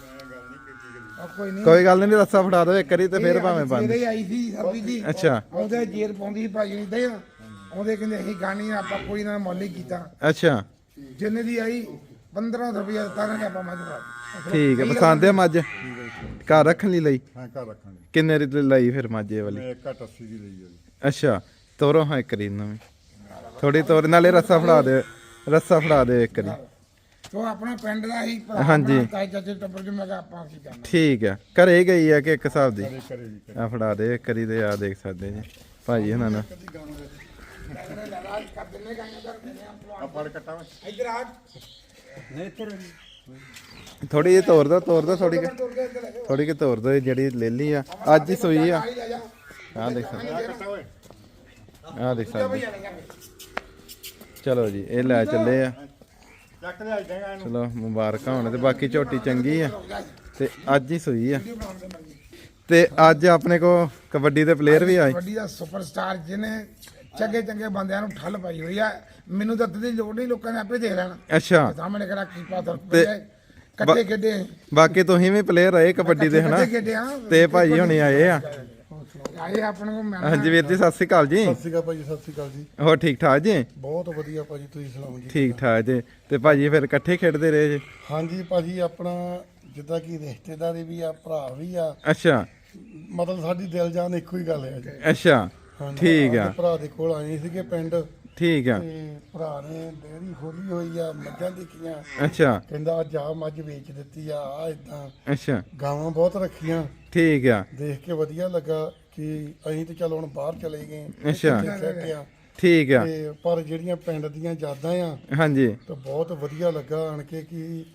B: ਉਹ ਕੋਈ ਨਹੀਂ
A: ਕੋਈ ਗੱਲ ਨਹੀਂ ਰੱਸਾ ਫੜਾ ਦਿਓ ਇੱਕ ਵਾਰੀ ਤੇ ਫਿਰ ਭਾਵੇਂ ਬੰਦ
B: ਜਿਹੜੇ ਆਈ ਸੀ ਸਰਬੀ ਜੀ
A: ਅੱਛਾ
B: ਉਹਦੇ ਜੇਰ ਪਾਉਂਦੀ ਸੀ ਭਾਜੀ ਨਹੀਂ ਦੇ ਉਹਦੇ ਕਹਿੰਦੇ ਅਸੀਂ ਗਾਣੀ ਆ, ਆਪਾਂ ਕੋਈ ਨਾ ਮੁੱਲ ਹੀ ਕੀਤਾ
A: ਅੱਛਾ
B: ਜਿੰਨੇ ਦੀ ਆਈ ਪੰਦਰਾਂ ਸੌ ਰੁਪਇਆ ਦਿੱਤਾ ਨਾ ਆਪਾਂ ਮੱਝ ਪਾ
A: ਠੀਕ ਹੈ ਪਸੰਦ ਹੈ ਮੱਝ ਘਰ ਰੱਖਣ ਲਈ ਲਈ
C: ਹਾਂ ਘਰ ਰੱਖਾਂਗੇ
A: ਕਿੰਨੇ ਦੀ ਲਈ ਫਿਰ ਮਾਝੇ ਵਾਲੀ
C: ਮੈਂ ਇੱਕ ਘੱਟ ਅੱਸੀ ਦੀ ਲਈ ਆ ਜੀ
A: ਅੱਛਾ ਤੋਰੋ ਹਾਂ ਇੱਕ ਰੀ ਨਵੀਂ ਥੋੜੀ ਤੋਰ ਨਾਲੇ ਰੱਸਾ ਫੜਾ ਦੇ ਰੱਸਾ ਫੜਾ ਦੇ ਇੱਕ ਰੀ
B: ਤੋ ਆਪਣਾ ਪਿੰਡ ਦਾ ਹੀ ਭਰਾ
A: ਹਾਂਜੀ।
B: ਆਪਣਾ ਤਾਏ ਚਾਚੇ ਟੱਬਰ ਚ ਮੈਂ ਕਿਹਾ ਆਪਾਂ ਕੀ ਕਰਨਾ
A: ਠੀਕ ਹੈ ਘਰੇ ਗਈ ਆ ਕਿ ਇੱਕ ਹਿਸਾਬ ਦੀ
C: ਕਰੇ ਜੀ
A: ਆ ਫੜਾ ਦੇ ਇੱਕ ਰੀ ਤੇ ਆ ਦੇਖ ਸਕਦੇ ਜੀ ਭਾਜੀ ਇਹਨਾਂ ਨਾਲ
B: ਕਰ ਦਿੰਨੇ ਗਾਣੇ ਕਰ ਦਿੰਨੇ
C: ਆ ਫੜ ਕੱਟਾ ਵਾ
B: ਇੱਧਰ ਆ
A: ਥੋੜੀ ਜਿਹੀ ਤੋਰ ਦੋ ਤੋਰ ਦੋ ਥੋੜੀ
B: ਤੁਰ ਕੇ ਇੱਧਰ ਲੈ ਜਾਓ
A: ਥੋੜੀ ਕਿ ਤੋਰ ਦੋ ਇਹ ਜਿਹੜੀ ਲੈ ਲਈ ਆ ਅੱਜ ਹੀ ਸੋਈ ਆ
B: ਆਈ ਲੈ ਜਾ
A: ਆ ਦੇਖ ਸਕਦੇ
C: ਕੱਟਾ ਓਏ
A: ਆ ਦੇਖ ਸਕਦੇ
B: ਭਈਆ ਲੈ ਜਾ
A: ਚਲੋ ਜੀ ਇਹ ਲੈ ਚੱਲੇ ਆ
C: ਚੱਕ ਲਿਆ ਜਾਏਗਾ ਇਹਨੂੰ।
A: ਚਲੋ ਮੁਬਾਰਕਾਂ ਹੋਣ ਤੇ ਬਾਕੀ ਝੋਟੀ ਚੰਗੀ ਆ ਤੇ ਅੱਜ ਹੀ ਸੂਈ ਆ ਤੇ ਅੱਜ ਆਪਣੇ ਕੋ ਕਬੱਡੀ ਦੇ ਪਲੇਅਰ ਵੀ ਆਏ।
B: ਕਬੱਡੀ ਦਾ ਸੁਪਰਸਟਾਰ ਜਿਹਨੇ ਚੰਗੇ ਚੰਗੇ ਬੰਦਿਆਂ ਨੂੰ ਠੱਲ ਪਾਈ ਹੋਈ ਆ। ਮੈਨੂੰ ਤਾਂ ਦੀ ਲੋੜ ਨਹੀਂ, ਲੋਕਾਂ ਨੇ ਆਪੇ ਦੇਖ ਲੈਣਾ।
A: ਅੱਛਾ
B: ਸਾਹਮਣੇ ਕਿਹੜਾ ਕੀ ਪਾਤਰ
A: ਤੇ
B: ਕੱਟੇ ਖੇਡੇ
A: ਬਾਕੀ ਤੁਸੀਂ ਵੀ ਪਲੇਅਰ ਆਏ ਕਬੱਡੀ ਦੇ ਹਨਾ
B: ਖੇਡੇ ਆ
A: ਤੇ ਭਾਈ ਹੁਣੀ ਆਏ ਆ।
B: ਆਏ ਆਪਣੇ ਕੋਲ ਮੈਂ
A: ਹਾਂਜੀ ਵੀਰ ਜੀ ਸਤਿ ਸ੍ਰੀ ਅਕਾਲ ਜੀ।
C: ਸਤਿ ਸ਼੍ਰੀ ਅਕਾਲ ਭਾਜੀ, ਸਤਿ ਸ਼੍ਰੀ ਅਕਾਲ ਜੀ।
A: ਹੋਰ ਠੀਕ ਠਾਕ ਜੀ?
C: ਬਹੁਤ ਵਧੀਆ ਭਾਜੀ, ਤੁਸੀਂ ਸੁਣਾਓ ਜੀ?
A: ਠੀਕ ਠਾਕ ਜੀ। ਤੇ ਭਾਜੀ ਫਿਰ ਇਕੱਠੇ ਖੇਡਦੇ ਰਹੇ ਜੀ?
C: ਹਾਂਜੀ ਭਾਜੀ, ਆਪਣਾ ਜਿੱਦਾਂ ਕਿ ਰਿਸ਼ਤੇਦਾਰੀ ਵੀ ਆ, ਭਰਾ ਵੀ ਆ,
A: ਅੱਛਾ
C: ਮਤਲਬ ਸਾਡੀ ਦਿਲ ਜਾਨ ਇੱਕੋ ਹੀ ਗੱਲ ਹੈ ਜੀ।
A: ਅੱਛਾ
C: ਹਾਂਜੀ,
A: ਠੀਕ ਆ
C: ਆਪਣੇ ਭਰਾ ਦੇ ਕੋਲ ਆਏ ਸੀਗੇ ਪਿੰਡ
A: ਠੀਕ ਆ
C: ਤੇ ਭਰਾ ਨੇ ਡੇਅਰੀ ਖੋਲੀ ਹੋਈ ਆ, ਮੱਝਾਂ ਦੇਖੀਆਂ,
A: ਅੱਛਾ
C: ਕਹਿੰਦਾ ਅੱਜ ਆ ਮੱਝ ਵੇਚ ਦਿੱਤੀ ਆ, ਆ ਇਦਾਂ
A: ਅੱਛਾ
C: ਗਾਵਾਂ ਬਹੁਤ ਰੱਖੀਆਂ।
A: ਠੀਕ ਆ
C: ਦੇਖ ਕੇ ਵਧੀਆ ਲੱਗਾ ਕਿ ਅਸੀਂ ਤੇ ਚੱਲ ਹੁਣ ਬਾਹਰ ਚਲੇ ਗਏ,
A: ਅੱਛਾ।
C: ਇੱਥੇ ਸੈੱਟ ਆ
A: ਠੀਕ ਆ
C: ਤੇ ਪਰ ਜਿਹੜੀਆਂ ਪਿੰਡ ਦੀਆਂ ਯਾਦਾਂ ਆ
A: ਹਾਂਜੀ
C: ਤਾਂ ਬਹੁਤ ਵਧੀਆ ਲੱਗਾ ਆਣ ਕੇ ਕਿ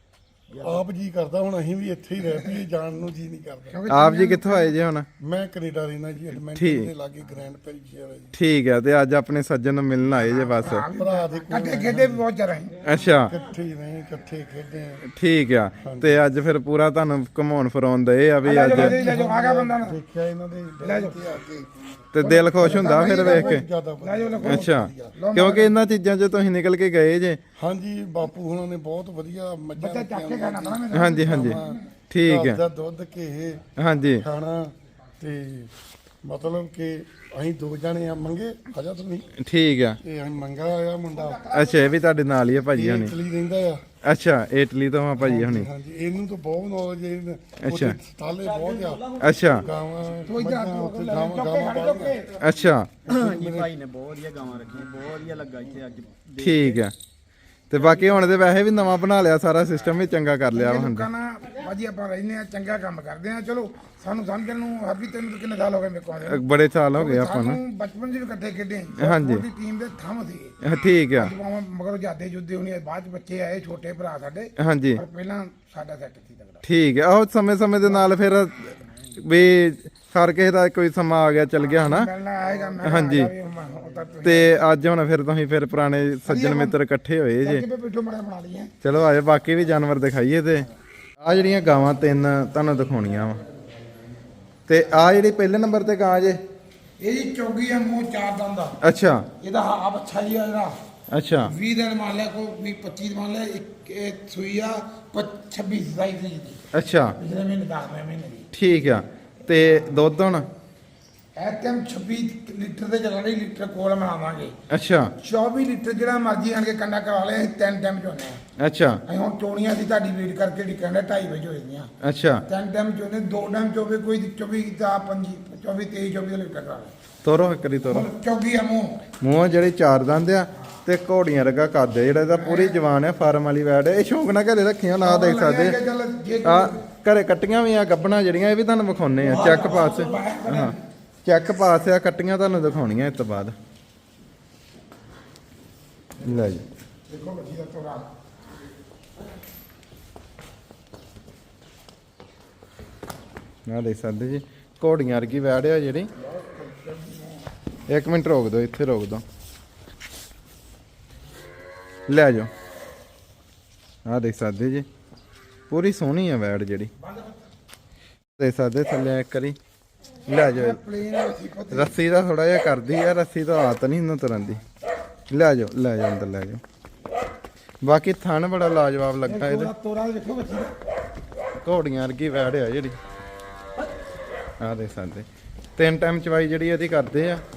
C: ਆਪ ਜੀ ਕਰਦਾ ਹੁਣ ਅਸੀਂ ਵੀ ਇੱਥੇ ਹੀ ਰਹਿ ਪਈਏ, ਜਾਣ ਨੂੰ ਜੀ ਨਹੀਂ ਕਰਦਾ।
A: ਆਪ ਜੀ ਕਿੱਥੋਂ ਆਏ ਜੀ ਹੁਣ?
C: ਮੈਂ ਕੈਨੇਡਾ ਰਹਿਣਾ ਜੀ, ਐਡਮਿੰਟਨ
A: ਠੀਕ।
C: ਦੇ ਲਾਗੇ ਗ੍ਰੈਂਡ ਪੈਰੀਸ਼ੀਅਰ ਹੈ ਜੀ।
A: ਠੀਕ ਆ ਤੇ ਅੱਜ ਆਪਣੇ ਸੱਜਣ ਨੂੰ ਮਿਲਣ ਆਏ ਜੇ ਬਸ।
C: ਭਰਾ ਦੇ ਕੋਲ
B: ਕੱਟੇ ਖੇਡੇ ਵੀ ਬਹੁਤ ਜ਼ਿਆਦਾ ਸੀ।
A: ਅੱਛਾ
C: ਇਕੱਠੇ ਹੀ ਰਹੇ, ਇਕੱਠੇ ਖੇਡੇ ਆ।
A: ਠੀਕ ਆ ਤੇ ਅੱਜ ਫਿਰ ਪੂਰਾ ਤੁਹਾਨੂੰ ਘਮਾਉਣ ਫਰਾਉਣ ਦਏ ਆ ਵੀ
B: ਲੈ
A: ਅੱਜ
B: ਜਾਓ ਲੈ ਜਾਓ, ਆ ਗਿਆ ਬੰਦਾ ਨਾ
C: ਦੇਖਿਆ ਇਹਨਾਂ ਦੇ ਡੈਡੀ ਤੇ ਆ ਕੇ
A: ਤੇ ਦਿਲ ਖੁਸ਼ ਹੁੰਦਾ ਫਿਰ ਵੇਖ ਕੇ।
C: ਜ਼ਿਆਦਾ
B: ਲੈ
C: ਵਧੀਆ।
B: ਜਾਓ ਲੈ
A: ਅੱਛਾ ਕਿਉਂਕਿ ਇਹਨਾਂ ਚੀਜ਼ਾਂ 'ਚ ਤੁਸੀਂ ਨਿਕਲ ਕੇ ਗਏ ਜੇ।
C: ਹਾਂਜੀ ਬਾਪੂ ਹੁਣਾਂ ਨੇ ਬਹੁਤ ਵਧੀਆ ਮੱਝਾਂ
B: ਬੱਚਾ ਚੱਕ ਕੇ ਖਾਣਾ ਪੈਣਾ ਮੈਨੂੰ।
A: ਹਾਂਜੀ ਹਾਂਜੀ ਠੀਕ
C: ਘਰ
A: ਆ
C: ਦਾ ਦੁੱਧ ਘੇ
A: ਹਾਂਜੀ
C: ਖਾਣਾ ਤੇ ਮਤਲਬ ਕਿ ਅਸੀਂ ਦੋ ਜਣੇ ਆ ਮੰਗੇ ਆਜਾ ਤੁਸੀਂ
A: ਠੀਕ ਆ
C: ਤੇ ਅਸੀਂ ਮੰਗਾ ਆਇਆ ਮੁੰਡਾ,
A: ਅੱਛਾ ਇਹ ਵੀ ਤੁਹਾਡੇ ਨਾਲ ਹੀ ਆ ਭਾਜੀ
C: ਇਹ
A: ਹੁਣੀ?
C: ਇਟਲੀ ਰਹਿੰਦਾ ਆ।
A: ਅੱਛਾ ਇਟਲੀ ਤੋਂ ਆ ਭਾਜੀ ਹੁਣੀ?
C: ਹਾਂਜੀ ਇਹਨੂੰ ਤਾਂ ਬਹੁਤ ਨੌਲੇਜ ਹੈ।
A: ਅੱਛਾ।
C: ਸਟਾਲੇ ਬਹੁਤ ਆ,
A: ਅੱਛਾ
C: ਗਾਵਾਂ
B: ਕੋਈ ਜਾ
C: ਮੱਝਾਂ, ਉੱਥੇ
B: ਲੈ
C: ਗਾਵਾਂ
B: ਚੁੱਕ ਕੇ
C: ਗਾਵਾਂ
B: ਖੜ ਚੁੱਕ
C: ਪਾਲੀਆਂ।
B: ਕੇ।
A: ਅੱਛਾ
D: ਹਾਂਜੀ ਭਾਈ ਨੇ ਬਹੁਤ ਵਧੀਆ ਗਾਵਾਂ ਰੱਖੀਆਂ, ਬਹੁਤ ਵਧੀਆ ਲੱਗਾ ਇੱਥੇ ਅੱਜ ਦੇਖ
A: ਠੀਕ ਆ ਤੇ ਬਾਕੀ ਹੁਣ ਤੇ ਵੈਸੇ ਵੀ ਨਵਾਂ ਬਣਾ ਲਿਆ, ਸਾਰਾ ਸਿਸਟਮ ਵੀ ਚੰਗਾ ਕਰ ਲਿਆ
B: ਇਹ
A: ਹੁਣ।
B: ਲੋਕਾਂ ਨਾਲ ਭਾਜੀ ਆਪਾਂ ਰਹਿੰਦੇ ਆ, ਚੰਗਾ ਕੰਮ ਕਰਦੇ ਆ। ਚਲੋ ਸਾਨੂੰ ਸਮਝਣ ਨੂੰ ਹਰ ਵੀ ਤੈਨੂੰ ਤਾਂ ਕਿੰਨੇ ਸਾਲ ਹੋ ਗਏ ਮੇਰੇ ਕੋਲ ਆਉਂਦੇ ਨੂੰ।
A: ਬੜੇ ਸਾਲ ਹੋ ਗਏ ਆਪਾਂ ਨੂੰ।
B: ਸਾਨੂੰ ਬਚਪਨ 'ਚ ਵੀ ਇਕੱਠੇ ਖੇਡੇ
A: ਹਾਂਜੀ।
B: ਉਹਦੀ ਟੀਮ ਦੇ ਥੰਮ ਸੀ
A: ਠੀਕ ਆ
B: ਭਾਵੇਂ ਮਗਰ ਜਾਦੇ ਜੁੱਦੇ ਹੋਣੀ, ਬਾਅਦ 'ਚ ਬੱਚੇ ਆਏ ਛੋਟੇ ਭਰਾ ਸਾਡੇ,
A: ਹਾਂਜੀ
B: ਪਰ ਪਹਿਲਾਂ ਸਾਡਾ ਸੈੱਟ ਸੀ ਤਗੜਾ।
A: ਠੀਕ ਆ ਉਹ ਸਮੇਂ ਸਮੇਂ ਦੇ ਨਾਲ ਫਿਰ ਵੀ ਹਰ ਕਿਸੇ ਦਾ ਕੋਈ ਸਮਾਂ ਆ ਗਿਆ ਚੱਲ ਗਿਆ ਹਨਾ।
B: ਮਿਲਣਾ ਆਏਗਾ ਮੈਂ
A: ਹਾਂਜੀ। ਤੇ ਅੱਜ ਹੁਣ ਫਿਰ ਤੁਸੀਂ ਫਿਰ ਪੁਰਾਣੇ ਸੱਜਣ ਮਿੱਤਰ ਇਕੱਠੇ ਹੋਏ ਜੇ।
B: ਕਿਵੇਂ ਪਿੱਠੋਂ ਮੜਾ ਬਣਾ ਲਈਏ।
A: ਚਲੋ ਆਜੋ ਬਾਕੀ ਵੀ ਜਾਨਵਰ ਦਿਖਾਈਏ। ਤੇ ਆ ਜਿਹੜੀਆਂ ਗਾਵਾਂ ਤਿੰਨ ਤੁਹਾਨੂੰ ਦਿਖਾਉਣੀਆਂ ਵਾ ਤੇ ਆ ਜਿਹੜੀ ਪਹਿਲੇ ਨੰਬਰ ਤੇ ਗਾਂ ਜੇ
B: ਇਹ ਜੀ ਚੌਗੀ ਆ, ਮੂੰਹ ਚਾਰ ਦੰਦ ਦਾ।
A: ਅੱਛਾ
B: ਇਹਦਾ ਆਪ ਅੱਛਾ ਹੀ ਆ ਜਿਹੜਾ
A: ਅੱਛਾ
B: ਵੀਹ ਦਿਨ ਮੰਨ ਲਿਆ, ਕੋਈ ਵੀਹ ਪੱਚੀ ਮੰਨ ਲਿਆ, ਇੱਕ ਇਹ ਸੂਈ ਆ ਛੱਬੀ ਸਤਾਈ ਤਰੀਕ ਦੀ,
A: ਅੱਛਾ
B: ਪਿਛਲੇ ਮਹੀਨੇ ਦਸਵੇਂ ਮਹੀਨੇ ਦੀ।
A: ਠੀਕ ਆ ਤੇ ਦੁੱਧ ਹੁਣ
B: ਇਹ ਟਾਈਮ ਛੱਬੀ ਲੀਟਰ ਦੇ ਚੱਲ ਰਹੀ, ਲੀਟਰ ਕੋਲ ਬਣਾਵਾਂਗੇ।
A: ਅੱਛਾ
B: ਚੌਵੀ ਲੀਟਰ ਜਿਹੜਾ ਮਰਜ਼ੀ ਆਣ ਕੇ ਕੰਡਾ ਕਰਵਾ ਲਿਆ, ਅਸੀਂ ਤਿੰਨ ਟਾਈਮ ਚੋਨੇ ਆ।
A: ਅੱਛਾ
B: ਅਸੀਂ ਹੁਣ ਚੋਣੀਆਂ ਦੀ ਤੁਹਾਡੀ ਵੇਟ ਕਰਕੇ ਡਿਕੰਡਾ ਢਾਈ ਵਜੇ ਹੋਏ ਦੀਆਂ।
A: ਅੱਛਾ
B: ਤਿੰਨ ਟਾਈਮ ਚੋਨੇ, ਦੋ ਟਾਈਮ ਚੋਵੇ, ਕੋਈ ਚੌਵੀ ਦਾ ਪੰਜੀ ਚੌਵੀ ਤੇਈ ਚੌਵੀ ਦਾ ਲੀਟਰ ਕਰਾ ਲਿਆ।
A: ਤੋਰੋ ਕਰੀ ਤੋਰੋ।
B: ਹੁਣ ਚੌਗੀ ਆ ਮੂੰਹ।
A: ਮੂੰਹ ਜਿਹੜੇ ਚਾਰ ਦੰਦ ਆ ਤੇ ਘੋੜੀਆਂ ਵਰਗਾ ਕੱਦ ਆ, ਜਿਹੜਾ ਇਹਦਾ ਪੂਰੀ ਜਵਾਨ ਆ, ਫਾਰਮ ਵਾਲੀ ਵੈੜ ਆ। ਇਹ ਸ਼ੌਂਕ ਨਾਲ ਘਰੇ ਰੱਖੀਆਂ ਨਾ ਦੇਖ ਸਕਦੇ
B: ਚੱਲ ਜੇ
A: ਆ। ਘਰੇ ਕੱਟੀਆਂ ਵੀ ਆ ਗੱਬਣਾ ਜਿਹੜੀਆਂ, ਇਹ ਵੀ ਤੁਹਾਨੂੰ ਵਿਖਾਉਣੇ ਆ। ਚੈੱਕ ਪਾਸ ਹਾਂ ਚੈੱਕ ਪਾਸ ਆ, ਕੱਟੀਆਂ ਤੁਹਾਨੂੰ ਦਿਖਾਉਣੀਆਂ ਇਸ ਤੋਂ ਬਾਅਦ। ਲੈ ਜੀ
B: ਦੇਖੋ ਬੱਚੀ ਦਾ ਤੋਰਾ।
A: ਆ ਦੇਖ ਸਕਦੇ ਜੀ ਘੋੜੀਆਂ ਵਰਗੀ ਵੈੜ ਆ ਜਿਹੜੀ। ਇੱਕ ਮਿੰਟ ਰੋਕ ਦਿਓ, ਇੱਥੇ ਰੋਕ ਦਿਓ। ਲੈ ਜਾਓ ਆ ਦੇਖ ਸਕਦੇ ਜੀ ਪੂਰੀ ਸੋਹਣੀ ਆ ਵੈੜ ਜਿਹੜੀ। ਦੇਖ ਸਕਦੇ ਥੱਲੇ ਇੱਕ ਵਾਰੀ। ਲੈ ਜਾਓ
B: ਪਲੇਨ ਸੀ ਪੁੱਤ।
A: ਰੱਸੀ ਦਾ ਥੋੜਾ ਜਿਹਾ ਕਰਦੀ ਆ, ਰੱਸੀ ਤਾਂ ਆਤ ਨਹੀਂ ਇਹਨਾਂ ਤੁਰਨ ਦੀ। ਲੈ ਜਾਓ ਲੈ ਜਾਓ ਅੰਦਰ ਲੈ ਜਾਓ। ਬਾਕੀ ਥਣ ਬੜਾ ਲਾਜਵਾਬ ਲੱਗਾ ਇਹਦੇ।
B: ਤੋਰਾ ਤੋਰਾ ਦੇਖੋ ਬੱਚੀ ਦਾ।
A: ਘੋੜੀਆਂ ਵਰਗੀ ਵੈੜ ਆ ਜਿਹੜੀ। ਆ ਦੇਖ ਸਕਦੇ ਤਿੰਨ ਟਾਈਮ ਚਵਾਈ ਜਿਹੜੀ ਇਹਦੀ ਕਰਦੇ ਆ।